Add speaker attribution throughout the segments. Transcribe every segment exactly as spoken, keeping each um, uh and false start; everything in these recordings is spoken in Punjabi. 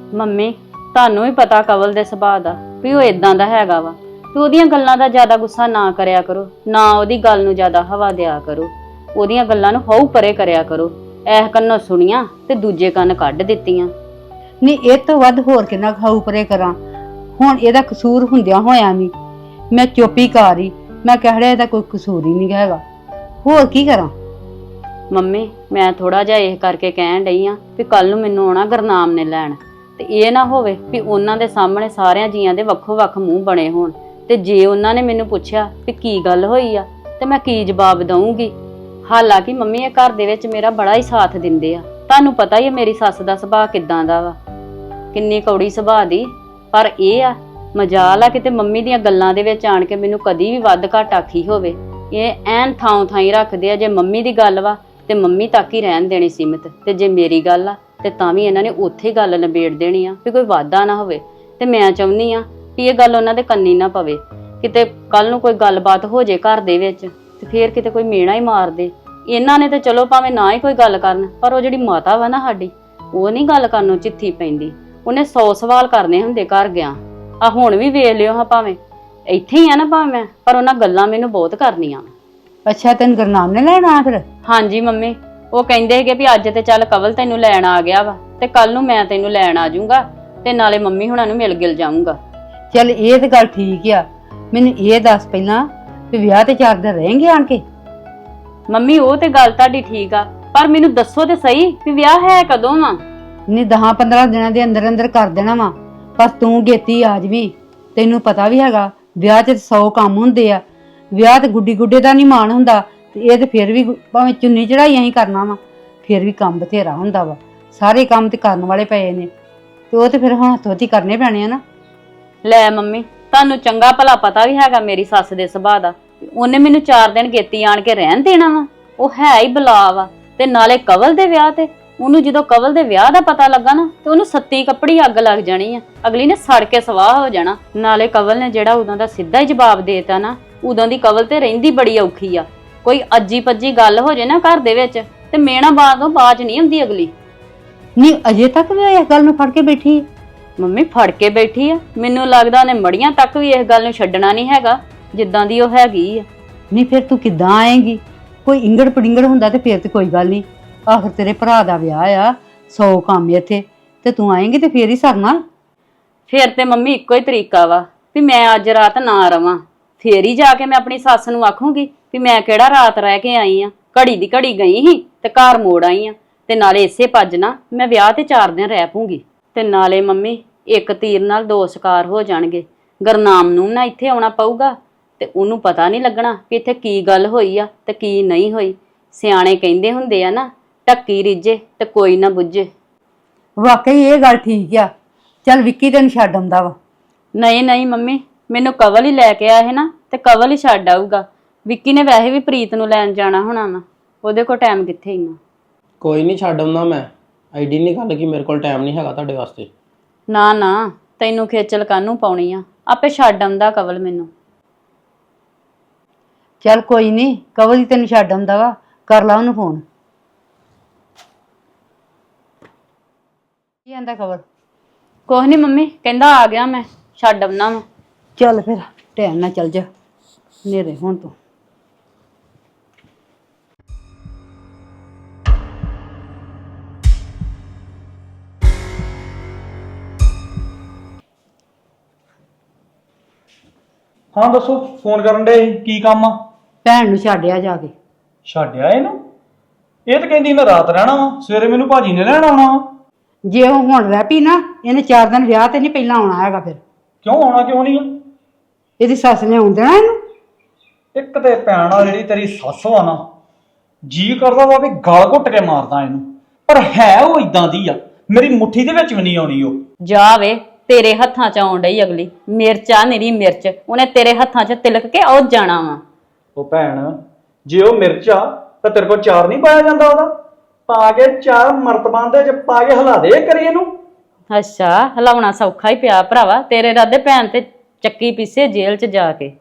Speaker 1: ਮੰਮੀ ਤੁਹਾਨੂੰ ਵੀ ਪਤਾ ਕਵਲ ਦੇ ਸੁਭਾਅ ਦਾ ਵੀ ਉਹ ਇਦਾਂ ਦਾ ਹੈਗਾ ਵਾ ਤੇ ਉਹਦੀਆਂ ਗੱਲਾਂ ਦਾ ਜ਼ਿਆਦਾ ਗੁੱਸਾ ਨਾ ਕਰਿਆ ਕਰੋ, ਨਾ ਉਹਦੀ ਗੱਲ ਨੂੰ ਜ਼ਿਆਦਾ ਹਵਾ ਦਿਆ ਕਰੋ। ਉਹਦੀਆਂ ਗੱਲਾਂ ਨੂੰ ਹਉ ਪਰੇ ਕਰਿਆ ਕਰੋ। ਐਹ ਕੰਨੋਂ ਸੁਣੀਆਂ ਤੇ ਦੂਜੇ ਕੰਨ ਕੱਢ ਦਿੱਤੀਆਂ।
Speaker 2: ਨਹੀਂ ਇਹ ਤੋਂ ਵੱਧ ਹੋਰ ਕਿੰਨਾ ਖਾਊ ਪਰੇ ਕਰਾਂ। ਹੁਣ ਇਹਦਾ ਕਸੂਰ ਹੁੰਦਿਆਂ ਹੋਇਆ ਨਹੀਂ ਮੈਂ ਚੁੱਪੀ ਕਰ ਰਹੀ। ਮੈਂ ਕਹਿ ਰਿਹਾ ਇਹਦਾ ਕੋਈ ਕਸੂਰ ਹੀ ਨਹੀਂ ਹੈਗਾ, ਹੋਰ ਕੀ ਕਰਾਂ।
Speaker 1: ਮੰਮੀ ਮੈਂ ਥੋੜਾ ਜਿਹਾ ਇਹ ਕਰਕੇ ਕਹਿਣ ਡਈ ਆ ਵੀ ਕੱਲ ਨੂੰ ਮੈਨੂੰ ਆਉਣਾ ਗੁਰਨਾਮ ਨੇ ਲੈਣ, ਤੇ ਇਹ ਨਾ ਹੋਵੇ ਵੀ ਉਹਨਾਂ ਦੇ ਸਾਹਮਣੇ ਸਾਰਿਆਂ ਜੀਆਂ ਦੇ ਵੱਖੋ ਵੱਖ ਮੂੰਹ ਬਣੇ ਹੋਣ, ਤੇ ਜੇ ਉਹਨਾਂ ਨੇ ਮੈਨੂੰ ਪੁੱਛਿਆ ਵੀ ਕੀ ਗੱਲ ਹੋਈ ਆ ਤੇ ਮੈਂ ਕੀ ਜਵਾਬ ਦਊਂਗੀ। ਹਾਲਾਂਕਿ ਮੰਮੀ ਇਹ ਘਰ ਦੇ ਵਿੱਚ ਮੇਰਾ ਬੜਾ ਹੀ ਸਾਥ ਦਿੰਦੇ ਆ। ਤੁਹਾਨੂੰ ਪਤਾ ਹੀ ਹੈ ਮੇਰੀ ਸੱਸ ਦਾ ਸੁਭਾਅ ਕਿੱਦਾਂ ਦਾ ਵਾ, ਕਿੰਨੀ ਕੌੜੀ ਸੁਭਾਅ ਦੀ। ਪਰ ਇਹ ਆ ਮਜਾਲ ਆ ਕਿਤੇ ਮੰਮੀ ਦੀਆਂ ਗੱਲਾਂ ਦੇ ਵਿੱਚ ਆਣ ਕੇ ਮੈਨੂੰ ਕਦੀ ਵੀ ਵੱਧ ਘੱਟ ਆਖੀ ਹੋਵੇ। ਇਹ ਐਨ ਥਾਂ ਥਾਂ ਹੀ ਰੱਖਦੇ ਆ। ਜੇ ਮੰਮੀ ਦੀ ਗੱਲ ਵਾ ਤੇ ਮੰਮੀ ਤੱਕ ਹੀ ਰਹਿਣ ਦੇਣੀ ਸੀਮਿਤ, ਤੇ ਜੇ ਮੇਰੀ ਗੱਲ ਆ ਤੇ ਤਾਂ ਵੀ ਇਹਨਾਂ ਨੇ ਉੱਥੇ ਗੱਲ ਨਿਬੇੜ ਦੇਣੀ ਆ ਵੀ ਕੋਈ ਵਾਧਾ ਨਾ ਹੋਵੇ। ਤੇ ਮੈਂ ਚਾਹੁੰਦੀ ਆ ਵੀ ਇਹ ਗੱਲ ਉਹਨਾਂ ਦੇ ਕੰਨੀ ਨਾ ਪਵੇ। ਕਿਤੇ ਕੱਲ ਨੂੰ ਕੋਈ ਗੱਲਬਾਤ ਹੋ ਜੇ ਘਰ ਦੇ ਵਿੱਚ ਤੇ ਫੇਰ ਕਿਤੇ ਕੋਈ ਮੇਣਾ ਹੀ ਮਾਰ ਦੇ। ਇਹਨਾਂ ਨੇ ਤੇ ਚਲੋ ਭਾਵੇਂ ਨਾ ਹੀ ਕੋਈ ਗੱਲ ਕਰਨ, ਪਰ ਉਹ ਜਿਹੜੀ ਮਾਤਾ ਵਾ ਨਾ ਸਾਡੀ, ਉਹ ਨਹੀਂ ਗੱਲ ਕਰਨ ਨੂੰ ਚਿੱਥੀ ਪੈਂਦੀ। ਉਹਨੇ ਸੌ ਸਵਾਲ ਕਰਨੇ ਹੁੰਦੇ ਘਰ ਗਿਆ। ਆ ਹੁਣ ਵੀ ਵੇਖ ਲਿਓ ਹਾਂ, ਭਾਵੇਂ ਇੱਥੇ ਹੀ ਆ ਨਾ ਭਾਵੇਂ, ਪਰ ਉਹਨਾਂ ਗੱਲਾਂ ਮੈਨੂੰ ਬਹੁਤ ਕਰਨੀਆਂ।
Speaker 2: ਅੱਛਾ ਤੈਨੂੰ ਗੁਰਨਾਮ ਨੇ ਲੈਣ ਆ ਫਿਰ?
Speaker 1: ਹਾਂਜੀ ਮੰਮੀ, ਉਹ ਕਹਿੰਦੇ ਹੈਗੇ ਵੀ ਅੱਜ ਤੇ ਚੱਲ ਕਵਲ ਤੈਨੂੰ ਲੈਣ ਆ ਗਿਆ ਵਾ ਤੇ ਕੱਲ ਨੂੰ ਮੈਂ ਤੈਨੂੰ ਲੈਣ ਆ ਜਾਊਂਗਾ ਤੇ ਨਾਲੇ ਮੰਮੀ ਹੁਣਾਂ ਨੂੰ ਮਿਲ ਗਿਲ ਜਾਊਂਗਾ।
Speaker 2: ਚੱਲ ਇਹ ਤੇ ਗੱਲ ਠੀਕ ਆ। ਮੈਨੂੰ ਇਹ ਦੱਸ ਪਹਿਲਾਂ ਵੀ ਵਿਆਹ ਤੇ ਚਾਰ ਦਿਨ ਰਹੇਂਗੇ ਆਣ ਕੇ?
Speaker 1: ਮੰਮੀ ਉਹ ਤੇ ਗੱਲ ਤੁਹਾਡੀ ਠੀਕ ਆ, ਪਰ ਮੈਨੂੰ ਦੱਸੋ ਤੇ ਸਹੀ ਵੀ ਵਿਆਹ ਹੈ ਕਦੋਂ ਵਾ?
Speaker 2: ਨਹੀਂ ਦਸਾਂ ਪੰਦਰਾਂ ਦਿਨਾਂ ਦੇ ਅੰਦਰ ਅੰਦਰ ਕਰ ਦੇਣਾ ਵਾ, ਪਰ ਤੂੰ ਗੇਤੀ ਆ ਜਵੀਂ। ਤੈਨੂੰ ਪਤਾ ਵੀ ਹੈਗਾ ਵਿਆਹ 'ਚ ਸੌ ਕੰਮ ਹੁੰਦੇ ਆ। ਵਿਆਹ ਤੇ ਗੁੱਡੀ ਗੁੱਡੇ ਦਾ ਨਹੀਂ ਮਾਣ ਹੁੰਦਾ, ਤੇ ਇਹ ਤੇ ਫਿਰ ਵੀ ਭਾਵੇਂ ਚੁੰਨੀ ਚੜਾਈ ਅਸੀਂ ਕਰਨਾ ਵਾ, ਫਿਰ ਵੀ ਕੰਮ ਬਥੇਰਾ ਹੁੰਦਾ ਵਾ। ਸਾਰੇ ਕੰਮ ਤੇ ਕਰਨ ਵਾਲੇ ਪਏ ਨੇ, ਤੇ ਉਹ ਤੇ ਫਿਰ ਹੁਣ ਹੱਥੋਂ ਹੱਥੀ ਕਰਨੇ ਪੈਣੇ ਆ ਨਾ।
Speaker 1: ਲੈ ਮੰਮੀ ਤੁਹਾਨੂੰ ਚੰਗਾ ਭਲਾ ਪਤਾ ਵੀ ਹੈਗਾ ਮੇਰੀ ਸੱਸ ਦੇ ਸੁਭਾਅ ਦਾ। ਉਹਨੇ ਮੈਨੂੰ ਚਾਰ ਦਿਨ ਗੇਤੀ ਆਣ ਕੇ ਰਹਿਣ ਦੇਣਾ ਵਾ? ਉਹ ਹੈ ਹੀ ਬਲਾ ਵਾ। ਤੇ ਨਾਲੇ ਕਵਲ ਦੇ ਵਿਆਹ ਤੇ ਉਹਨੂੰ ਜਦੋਂ ਕਵਲ ਦੇ ਵਿਆਹ ਦਾ ਪਤਾ ਲੱਗਾ ਨਾ ਤੇ ਉਹਨੂੰ ਸੱਤੀ ਕੱਪੜੀ ਅੱਗ ਲੱਗ ਜਾਣੀ ਆ। ਅਗਲੀ ਨੇ ਸੜ ਕੇ ਸਵਾਹ ਹੋ ਜਾਣਾ। ਨਾਲੇ ਕਵਲ ਨੇ ਜਿਹੜਾ ਉਦੋਂ ਦਾ ਸਿੱਧਾ ਹੀ ਜਵਾਬ ਦੇਤਾ ਨਾ, ਉਦੋਂ ਦੀ ਕਵਲ ਤੇ ਰਹਿੰਦੀ ਬੜੀ ਔਖੀ ਆ। ਕੋਈ ਅੱਜੀ ਪੱਜੀ ਗੱਲ ਹੋ ਜੇ ਨਾ ਘਰ ਦੇ ਵਿੱਚ ਤੇ ਮੇਣਾ ਬਾਤ ਤੋਂ ਬਾਜ ਨਹੀਂ ਹੁੰਦੀ ਅਗਲੀ।
Speaker 2: ਨਹੀਂ ਅਜੇ ਤੱਕ ਵੀ ਇਸ ਗੱਲ ਨੂੰ ਫੜ ਕੇ ਬੈਠੀ?
Speaker 1: ਮੰਮੀ ਫੜ ਕੇ ਬੈਠੀ ਆ। ਮੈਨੂੰ ਲੱਗਦਾ ਉਹਨੇ ਮੜੀਆਂ ਤੱਕ ਵੀ ਇਸ ਗੱਲ ਨੂੰ ਛੱਡਣਾ ਨਹੀਂ ਹੈਗਾ ਜਿੱਦਾਂ ਦੀ ਉਹ ਹੈਗੀ ਆ।
Speaker 2: ਨਹੀਂ ਫਿਰ ਤੂੰ ਕਿੱਦਾਂ ਆਏਂਗੀ? ਕੋਈ ਇੰਗੜ ਪੜਿੰਗੜ ਹੁੰਦਾ ਤੇ ਫਿਰ ਤੇ ਕੋਈ ਗੱਲ ਨਹੀਂ। ਆਖਰ ਤੇਰੇ ਭਰਾ ਦਾ ਵਿਆਹ ਆ, ਸੌ ਕੰਮ ਇੱਥੇ, ਤੇ ਤੂੰ ਆਏਂਗੀ ਤੇ ਫੇਰ ਹੀ ਸਰਨਾ।
Speaker 1: ਫੇਰ ਤੇ ਮੰਮੀ ਇੱਕੋ ਹੀ ਤਰੀਕਾ ਵਾ ਵੀ ਮੈਂ ਅੱਜ ਰਾਤ ਨਾ ਰਵਾਂ, ਫੇਰ ਹੀ ਜਾ ਕੇ ਮੈਂ ਆਪਣੀ ਸੱਸ ਨੂੰ ਆਖੂੰਗੀ ਵੀ ਮੈਂ ਕਿਹੜਾ ਰਾਤ ਰਹਿ ਕੇ ਆਈ ਆ, ਘੜੀ ਦੀ ਘੜੀ ਗਈ ਸੀ ਤੇ ਘਰ ਮੋੜ ਆਈ ਆ। ਤੇ ਨਾਲੇ ਇਸੇ ਭੱਜ ਨਾ ਮੈਂ ਵਿਆਹ ਤੇ ਚਾਰ ਦਿਨ ਰਹਿ ਪੂੰਗੀ। ਤੇ ਨਾਲੇ ਮੰਮੀ ਇੱਕ ਤੀਰ ਨਾਲ ਦੋ ਸ਼ਿਕਾਰ ਹੋ ਜਾਣਗੇ। ਗੁਰਨਾਮ ਨੂੰ ਨਾ ਇੱਥੇ ਆਉਣਾ ਪਊਗਾ ਤੇ ਉਹਨੂੰ ਪਤਾ ਨਹੀਂ ਲੱਗਣਾ ਕਿ ਇੱਥੇ ਕੀ ਗੱਲ ਹੋਈ ਆ ਤੇ ਕੀ ਨਹੀਂ ਹੋਈ। ਸਿਆਣੇ ਕਹਿੰਦੇ ਹੁੰਦੇ ਆ ਨਾ, ਢੱਕੀ ਰਿੱਝੇ ਤੇ ਕੋਈ ਨਾ ਬੁੱਝੇ।
Speaker 2: ਵਾਕਈ ਇਹ ਗੱਲ ਠੀਕ ਆ। ਚੱਲ ਵਿੱਕੀ ਤੈਨੂੰ ਛੱਡ ਆਉਂਦਾ ਵਾ।
Speaker 1: ਨਹੀਂ ਨਹੀਂ ਮੰਮੀ, ਮੈਨੂੰ ਕਵਲ ਹੀ ਲੈ ਕੇ ਆਇਆ ਹੈ ਨਾ ਤੇ ਕਵਲ ਹੀ ਛੱਡ ਆਊਗਾ। ਵਿੱਕੀ ਨੇ ਵੈਸੇ ਵੀ ਪ੍ਰੀਤ ਨੂੰ ਲੈਣ ਜਾਣਾ ਹੋਣਾ ਵਾ, ਉਹਦੇ ਕੋਲ ਟਾਈਮ ਕਿੱਥੇ ਇੰਨਾ।
Speaker 3: ਕੋਈ ਨਹੀਂ ਛੱਡ ਆਉਂਦਾ ਮੈਂ। ਐਡੀ ਨਹੀਂ ਗੱਲ ਕਿ ਮੇਰੇ ਕੋਲ ਟਾਈਮ ਨਹੀਂ ਹੈਗਾ ਤੁਹਾਡੇ ਵਾਸਤੇ।
Speaker 1: ਨਾ ਨਾ ਤੈਨੂੰ ਖੇਚਲ ਕਾਹਨੂੰ ਪਾਉਣੀ ਆ, ਆਪੇ ਛੱਡ ਆਉਂਦਾ ਕਵਲ ਮੈਨੂੰ।
Speaker 2: ਚੱਲ ਕੋਈ ਨਹੀਂ, ਕਵਲ ਹੀ ਤੈਨੂੰ ਛੱਡ ਆਉਂਦਾ ਵਾ, ਕਰ ਲਾ ਉਹਨੂੰ ਫੋਨ। ਕੀ ਆਂਦਾ ਕਵਲ?
Speaker 1: ਕੁਛ ਨੀ ਮੰਮੀ, ਕਹਿੰਦਾ ਆ ਗਿਆ ਮੈਂ ਛੱਡ ਆਉਣਾ ਵਾ।
Speaker 2: ਚੱਲ ਫਿਰ ਟਾਈਮ ਨਾਲ ਚੱਲ ਜਾ, ਨੇਰੇ ਹੁਣ ਤੂੰ।
Speaker 4: ਹਾਂ ਦੱਸੋ, ਫੋਨ ਕਰਨ ਦੇ ਕੀ ਕੰਮ ਆ?
Speaker 2: ਭੈਣ ਨੂੰ ਛੱਡਿਆ ਜਾ ਕੇ।
Speaker 4: ਛੱਡਿਆ ਇਹਨੂੰ? ਇਹ ਤਾਂ ਕਹਿੰਦੀ ਮੈਂ ਰਾਤ ਰਹਿਣਾ ਵਾ, ਸਵੇਰੇ ਮੈਨੂੰ ਭਾਜੀ ਨੇ ਲੈਣ ਆਉਣਾ ਵਾ।
Speaker 2: ਜੇ ਉਹ ਹੁਣ ਰਹਿ ਪਈ ਨਾ, ਇਹਨੇ ਚਾਰ ਦਿਨ ਵਿਆਹ ਤੇ ਨਹੀਂ ਪਹਿਲਾਂ ਆਉਣਾ ਹੈਗਾ। ਫਿਰ
Speaker 4: ਕਿਉਂ ਆਉਣਾ ਕਿਉਂ ਨਹੀਂ ਆ?
Speaker 2: ਇਹਦੀ ਸੱਸ ਨੇ ਆਉਣ ਦੇਣਾ ਇਹਨੂੰ?
Speaker 4: ਇੱਕ ਤੇ ਭੈਣ ਆ ਜਿਹੜੀ ਤੇਰੀ ਸੱਸ ਵਾ ਨਾ, ਜੀ ਕਰਦਾ ਵਾ ਵੀ ਗਲ ਘੁੱਟ ਕੇ ਮਾਰਦਾ ਇਹਨੂੰ, ਪਰ ਹੈ ਉਹ ਇਦਾਂ ਦੀ ਆ, ਮੇਰੀ ਮੁੱਠੀ ਦੇ ਵਿੱਚ ਵੀ ਨਹੀਂ ਆਉਣੀ ਉਹ।
Speaker 1: ਜਾ ਵੇ, ਤੇਰੇ ਹੱਥਾਂ 'ਚ ਆਉਣ ਡਈ ਅਗਲੀ। ਮਿਰਚ ਆ ਨਿਰੀ ਮਿਰਚ, ਉਹਨੇ ਤੇਰੇ ਹੱਥਾਂ 'ਚ ਤਿਲਕ ਕੇ ਉਹ ਜਾਣਾ ਵਾ।
Speaker 4: ਉਹ ਭੈਣ ਜੇ ਉਹ ਮਿਰਚ ਆ ਤਾਂ ਤੇਰੇ ਕੋਲ ਚਾਰ ਨਹੀਂ ਪਾਇਆ ਜਾਂਦਾ ਉਹਦਾ? ਪਾ ਕੇ ਚਾਰ ਮਰਤਬਾਂ ਦੇ ਚ ਪਾ ਕੇ ਹਿਲਾ ਦੇ ਕਰੀ ਇਹਨੂੰ।
Speaker 1: ਅੱਛਾ, ਹਿਲਾਉਣਾ ਸੌਖਾ ਹੀ ਪਿਆ ਭਰਾਵਾ। ਤੇਰੇ ਰਾਦੇ ਭੈਣ ਤੇ ਚੱਕੀ ਪੀਸੇ ਜੇਲ੍ਹ 'ਚ ਜਾ ਕੇ।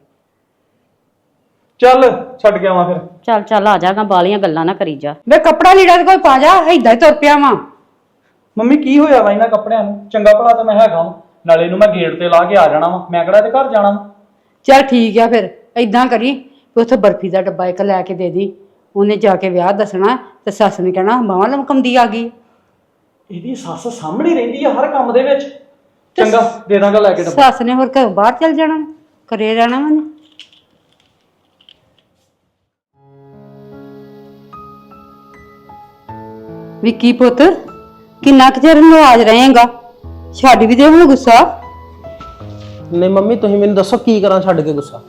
Speaker 4: ਚੱਲ ਛੱਡ ਕੇ ਆਵਾਂ ਫਿਰ।
Speaker 1: ਚੱਲ ਚੱਲ ਆ ਜਾਗਾ, ਬਾਲੀਆਂ ਗੱਲਾਂ ਨਾ ਕਰੀ ਜਾ।
Speaker 2: ਵੇ ਕੱਪੜਾ ਲੀੜਾ ਤੇ ਕੋਈ ਪਾ ਜਾ, ਏਦਾਂ ਹੀ ਤੁਰ ਪਿਆ ਵਾਂ।
Speaker 4: ਮੰਮੀ ਕੀ ਹੋਇਆ ਵਾ ਇਹਨਾਂ ਕੱਪੜਿਆਂ ਨੂੰ? ਚੰਗਾ ਭਲਾ ਤਾਂ ਮੈਂ ਹੈਗਾ ਵਾਂ, ਨਾਲੇ ਇਹਨੂੰ ਮੈਂ ਗੇਟ ਤੇ ਲਾ ਕੇ ਆ ਜਾਣਾ ਵਾ, ਮੈਂ ਕਿਹੜਾ ਇਹਦੇ ਘਰ ਜਾਣਾ ਵਾ।
Speaker 2: ਚੱਲ ਠੀਕ ਆ ਫਿਰ ਏਦਾਂ ਕਰੀ ਵੀ ਉੱਥੇ ਬਰਫੀ ਦਾ ਡੱਬਾ ਇੱਕ ਲੈ ਕੇ ਦੇ ਦੀ। ਉਹਨੇ ਜਾ ਕੇ ਵਿਆਹ ਦੱਸਣਾ ਤੇ ਸੱਸ ਨੇ ਕਹਿਣਾ ਬਾਹਾਂ ਲਮਕਮਦੀ ਆ ਗਈ।
Speaker 4: ਇਹਦੀ ਸੱਸ ਸਾਹਮਣੇ ਰਹਿੰਦੀ ਆ ਹਰ ਕੰਮ ਦੇ ਵਿੱਚ। ਚੰਗਾ ਦੇ ਦਾਂਗਾ ਲੈ ਕੇ ਡੱਬਾ।
Speaker 2: ਸੱਸ ਨੇ ਹੋਰ ਘਰੋਂ ਬਾਹਰ ਚੱਲ ਜਾਣਾ, ਘਰੇ ਰਹਿਣਾ ਵਾ। ਵਿੱਕੀ ਪੁੱਤ ਕਿੰਨਾ ਕੁ ਚਿਰ ਨਾਰਾਜ਼ ਰਹੇਗਾ? ਛੱਡ ਵੀ ਦੇ ਹੁਣ ਗੁੱਸਾ।
Speaker 3: ਨਹੀਂ ਮੰਮੀ ਤੁਸੀਂ ਮੈਨੂੰ ਦੱਸੋ ਕੀ ਕਰਾਂ ਛੱਡ ਕੇ ਗੁੱਸਾ?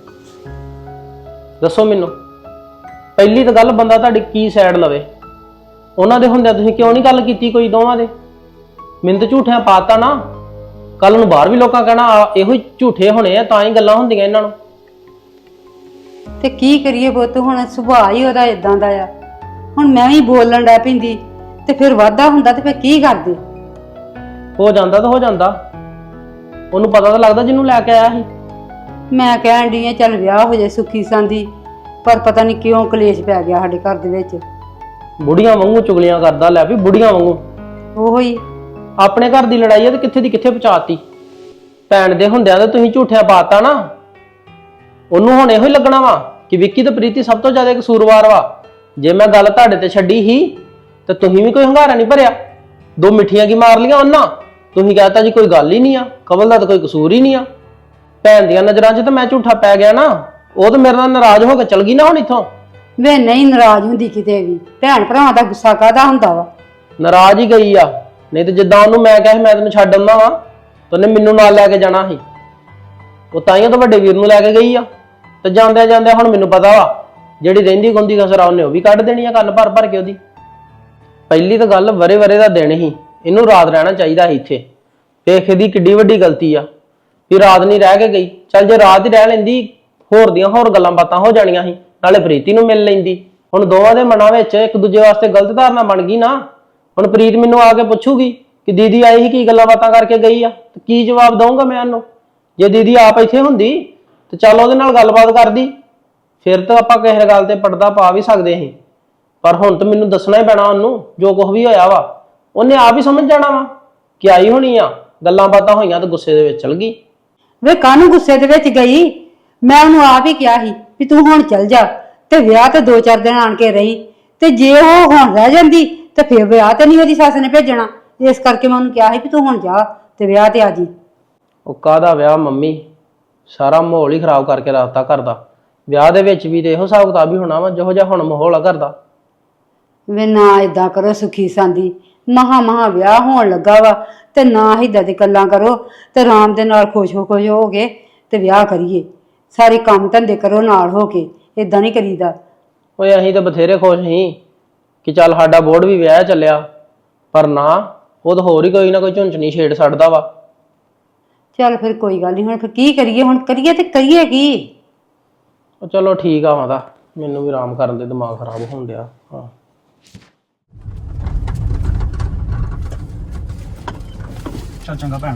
Speaker 3: ਦੱਸੋ ਮੈਨੂੰ। ਪਹਿਲੀ ਤਾਂ ਗੱਲ ਬੰਦਾ ਤੁਹਾਡੀ ਕੀ ਸਾਈਡ ਲਵੇ? ਉਹਨਾਂ ਦੇ ਹੁੰਦਿਆਂ ਤੁਸੀਂ ਕਿਉਂ ਨਹੀਂ ਗੱਲ ਕੀਤੀ ਕੋਈ ਦੋਵਾਂ ਦੇ? ਮੈਨੂੰ ਤਾਂ ਝੂਠਿਆਂ ਪਾਤਾ ਨਾ, ਕੱਲ ਨੂੰ ਬਾਹਰ ਵੀ ਲੋਕਾਂ ਕਹਿਣਾ ਆ, ਇਹੋ ਹੀ ਝੂਠੇ ਹੋਣੇ ਆ ਤਾਂ ਹੀ ਗੱਲਾਂ ਹੁੰਦੀਆਂ ਇਹਨਾਂ ਨੂੰ।
Speaker 2: ਤੇ ਕੀ ਕਰੀਏ ਪੁੱਤ, ਹੁਣ ਸੁਭਾਅ ਹੀ ਉਹਦਾ ਇਦਾਂ ਦਾ ਆ। ਹੁਣ ਮੈਂ ਵੀ ਬੋਲਣ ਡੈ ਪੈਂਦੀ ਤੇ ਫਿਰ ਵਾਧਾ ਹੁੰਦਾ ਤੇ ਫਿਰ ਕੀ ਕਰਦੇ?
Speaker 3: ਹੋ ਜਾਂਦਾ ਤਾਂ ਹੋ ਜਾਂਦਾ, ਉਹਨੂੰ ਪਤਾ ਤਾਂ ਲੱਗਦਾ ਜਿਹਨੂੰ ਲੈ ਕੇ ਆਇਆ ਸੀ।
Speaker 2: ਮੈਂ ਕਹਿਣ ਡਈ ਆ ਚੱਲ ਵਿਆਹ ਹੋ ਜਾਏ ਸੁੱਖੀ ਸਾਂਦੀ, ਪਰ ਪਤਾ ਨਹੀਂ ਕਿਉਂ ਕਲੇਸ਼ ਪੈ ਗਿਆ ਸਾਡੇ ਘਰ ਦੇ ਵਿੱਚ।
Speaker 3: ਬੁੜੀਆਂ ਵਾਂਗੂ ਚੁਗਲੀਆਂ ਕਰਦਾ, ਲੈ ਵੀ ਬੁੜੀਆਂ ਵਾਂਗੂ।
Speaker 2: ਉਹੋ ਹੀ
Speaker 3: ਆਪਣੇ ਘਰ ਦੀ ਲੜਾਈ ਆ ਤੇ ਕਿੱਥੇ ਦੀ ਕਿੱਥੇ ਪਹੁੰਚਾਤੀ। ਭੈਣ ਦੇ ਹੁੰਦਿਆਂ ਤਾਂ ਤੁਸੀਂ ਝੂਠਿਆ ਪਾਤਾ ਨਾ। ਉਹਨੂੰ ਹੁਣ ਇਹੋ ਹੀ ਲੱਗਣਾ ਵਾ ਕਿ ਵਿੱਕੀ ਤੇ ਪ੍ਰੀਤੀ ਸਭ ਤੋਂ ਜ਼ਿਆਦਾ ਕਸੂਰਵਾਰ ਵਾ। ਜੇ ਮੈਂ ਗੱਲ ਤੁਹਾਡੇ ਤੇ ਛੱਡੀ ਹੀ ਤੇ ਤੁਸੀਂ ਵੀ ਕੋਈ ਹੰਗਾਰਾ ਨਹੀਂ ਭਰਿਆ, ਦੋ ਮਿੱਠੀਆਂ ਕੀ ਮਾਰ ਲੀਆਂ ਉਹਨਾਂ। ਤੁਸੀਂ ਕਹਤਾ ਜੀ ਕੋਈ ਗੱਲ ਹੀ ਨਹੀਂ ਆ, ਕਮਲ ਦਾ ਤਾਂ ਕੋਈ ਕਸੂਰ ਹੀ ਨਹੀਂ ਆ। ਭੈਣ ਦੀਆਂ ਨਜ਼ਰਾਂ 'ਚ ਤਾਂ ਮੈਂ ਝੂਠਾ ਪੈ ਗਿਆ ਨਾ, ਉਹ ਤਾਂ ਮੇਰੇ ਨਾਲ ਨਾਰਾਜ਼ ਹੋ ਕੇ ਚਲ ਗਈ ਨਾ ਹੁਣ ਇੱਥੋਂ।
Speaker 2: ਵੇ ਨਹੀਂ ਨਾਰਾਜ਼ ਹੁੰਦੀ ਕਿਤੇ ਵੀ, ਭੈਣ ਭਰਾਵਾਂ ਦਾ ਗੁੱਸਾ ਕਾਹਦਾ ਹੁੰਦਾ ਵਾ?
Speaker 3: ਨਾਰਾਜ਼ ਹੀ ਗਈ ਆ, ਨਹੀਂ ਤੇ ਜਿੱਦਾਂ ਉਹਨੂੰ ਮੈਂ ਕਿਹਾ ਸੀ ਮੈਂ ਤੈਨੂੰ ਛੱਡ ਆਉਂਦਾ ਵਾ ਤੇ ਉਹਨੇ ਮੈਨੂੰ ਨਾਲ ਲੈ ਕੇ ਜਾਣਾ ਸੀ। ਉਹ ਤਾਈਆਂ ਤਾਂ ਵੱਡੇ ਵੀਰ ਨੂੰ ਲੈ ਕੇ ਗਈ ਆ, ਤੇ ਜਾਂਦਿਆਂ ਜਾਂਦਿਆਂ ਹੁਣ ਮੈਨੂੰ ਪਤਾ ਵਾ ਜਿਹੜੀ ਰਹਿੰਦੀ ਗੁੰਦੀ ਕਸਰ ਆ ਉਹਨੇ ਉਹ ਵੀ ਕੱਢ ਦੇਣੀ ਆ ਕੰਨ ਭਰ ਭਰ ਕੇ ਉਹਦੀ। ਪਹਿਲੀ ਤਾਂ ਗੱਲ ਵਰੇ ਵਰੇ ਦਾ ਦਿਨ ਹੀ, ਇਹਨੂੰ ਰਾਤ ਰਹਿਣਾ ਚਾਹੀਦਾ ਸੀ ਇੱਥੇ। ਵੇਖ ਇਹਦੀ ਕਿੱਡੀ ਵੱਡੀ ਗਲਤੀ ਆ ਵੀ ਰਾਤ ਨਹੀਂ ਰਹਿ ਕੇ ਗਈ। ਚੱਲ ਜੇ ਰਾਤ ਹੀ ਰਹਿ ਲੈਂਦੀ ਹੋਰ ਦੀਆਂ ਹੋਰ ਗੱਲਾਂ ਬਾਤਾਂ ਹੋ ਜਾਣੀਆਂ ਸੀ, ਨਾਲੇ ਪ੍ਰੀਤੀ ਨੂੰ ਮਿਲ ਲੈਂਦੀ। ਹੁਣ ਦੋਵਾਂ ਦੇ ਮਨਾਂ ਵਿੱਚ ਇੱਕ ਦੂਜੇ ਵਾਸਤੇ ਗਲਤ ਧਾਰਨਾ ਬਣ ਗਈ ਨਾ। ਹੁਣ ਪ੍ਰੀਤ ਮੈਨੂੰ ਆ ਕੇ ਪੁੱਛੂਗੀ ਕਿ ਦੀਦੀ ਆਈ ਸੀ ਕੀ ਗੱਲਾਂ ਬਾਤਾਂ ਕਰਕੇ ਗਈ ਆ, ਤੇ ਕੀ ਜਵਾਬ ਦਊਂਗਾ ਮੈਂ ਉਹਨੂੰ? ਜੇ ਦੀਦੀ ਆਪ ਇੱਥੇ ਹੁੰਦੀ ਤੇ ਚੱਲ ਉਹਦੇ ਨਾਲ ਗੱਲਬਾਤ ਕਰਦੀ, ਫਿਰ ਤਾਂ ਆਪਾਂ ਕਿਸੇ ਗੱਲ ਤੇ ਪਰਦਾ ਪਾ ਵੀ ਸਕਦੇ ਸੀ। ਪਰ ਹੁਣ ਤਾਂ ਮੈਨੂੰ ਦੱਸਣਾ ਹੀ ਪੈਣਾ ਉਹਨੂੰ ਜੋ ਕੁਝ ਵੀ ਹੋਇਆ ਵਾ। ਉਹਨੇ ਆਪ ਹੀ ਸਮਝ ਜਾਣਾ ਵਾ ਕਿ ਆਈ ਹੋਣੀ ਆ, ਗੱਲਾਂ ਬਾਤਾਂ ਹੋਈਆਂ ਤੇ ਗੁੱਸੇ ਦੇ ਵਿੱਚ ਚਲ ਗਈ।
Speaker 2: ਵੇ ਕਾਹਨੂੰ ਗੁੱਸੇ ਦੇ ਵਿੱਚ ਗਈ? ਮੈਂ ਉਹਨੂੰ ਆਪ ਹੀ ਕਿਹਾ ਸੀ ਵੀ ਤੂੰ ਹੁਣ ਚੱਲ ਜਾ, ਤੇ ਵਿਆਹ ਤੇ ਦੋ ਚਾਰ ਦਿਨ ਆਣ ਕੇ ਰਹੀ। ਤੇ ਜੇ ਉਹ ਹੁਣ ਰਹਿ ਜਾਂਦੀ ਤੇ ਫਿਰ ਵਿਆਹ ਤੇ ਨਹੀਂ ਉਹਦੀ ਸੱਸ ਨੇ ਭੇਜਣਾ। ਇਸ ਕਰਕੇ ਮੈਂ ਉਹਨੂੰ ਕਿਹਾ ਸੀ ਵੀ ਤੂੰ ਹੁਣ ਜਾ ਤੇ ਵਿਆਹ ਤੇ ਆ ਜੀ।
Speaker 3: ਉਹ ਕਾਹਦਾ ਵਿਆਹ ਮੰਮੀ, ਸਾਰਾ ਮਾਹੌਲ ਹੀ ਖਰਾਬ ਕਰਕੇ ਰੱਖਤਾ ਘਰ ਦਾ। ਵਿਆਹ ਦੇ ਵਿੱਚ ਵੀ ਤੇ ਇਹੋ ਹਿਸਾਬ ਕਿਤਾਬ ਹੀ ਹੋਣਾ ਵਾ ਜਿਹੋ ਜਿਹਾ ਹੁਣ ਮਾਹੌਲ ਆ ਘਰ ਦਾ।
Speaker 2: ਵੇ ਨਾ ਏਦਾਂ ਕਰੋ ਸੁਖੀ ਸਾਂਦੀ, ਮਹਾ ਮਹਾ ਵਿਆਹ ਹੋਣ ਲੱਗਾ ਵਾ, ਤੇ ਨਾ ਏਦਾਂ ਦੀ ਗੱਲਾਂ ਕਰੋ, ਤੇ ਆਰਾਮ ਦੇ ਨਾਲ ਖੁਸ਼ ਹੋ ਖੁਸ਼ ਹੋ ਕੇ ਤੇ ਵਿਆਹ ਕਰੀਏ। ਸਾਰੇ ਕੰਮ ਧੰਦੇ ਕਰੋ ਨਾਲ ਹੋ ਕੇ, ਏਦਾਂ ਨਹੀਂ ਕਰੀਦਾ।
Speaker 3: ਓਏ ਅਸੀਂ ਤਾਂ ਬਥੇਰੇ ਖੁਸ਼ ਸੀ ਕਿ ਚੱਲ ਸਾਡਾ ਬੋਰਡ ਵੀ ਵਿਆਹ ਚੱਲਿਆ, ਪਰ ਨਾ ਉਹ ਤਾਂ ਹੋਰ ਹੀ ਕੋਈ ਨਾ ਕੋਈ ਝੁੰਚਣੀ ਛੇੜ ਛੱਡਦਾ ਵਾ।
Speaker 2: ਚੱਲ ਫਿਰ ਕੋਈ ਗੱਲ ਨਹੀਂ, ਹੁਣ ਫਿਰ ਕੀ ਕਰੀਏ? ਹੁਣ ਕਰੀਏ ਤੇ ਕਰੀਏ ਕੀ?
Speaker 3: ਉਹ ਚਲੋ ਠੀਕ ਆ ਮਾਤਾ, ਮੈਨੂੰ ਵੀ ਆਰਾਮ ਕਰਨ ਦੇ, ਦਿਮਾਗ ਖਰਾਬ ਹੋਣ ਡਿਆ। ਹਾਂ
Speaker 4: ਚੱਲ ਚੰਗਾ ਭੈਣ।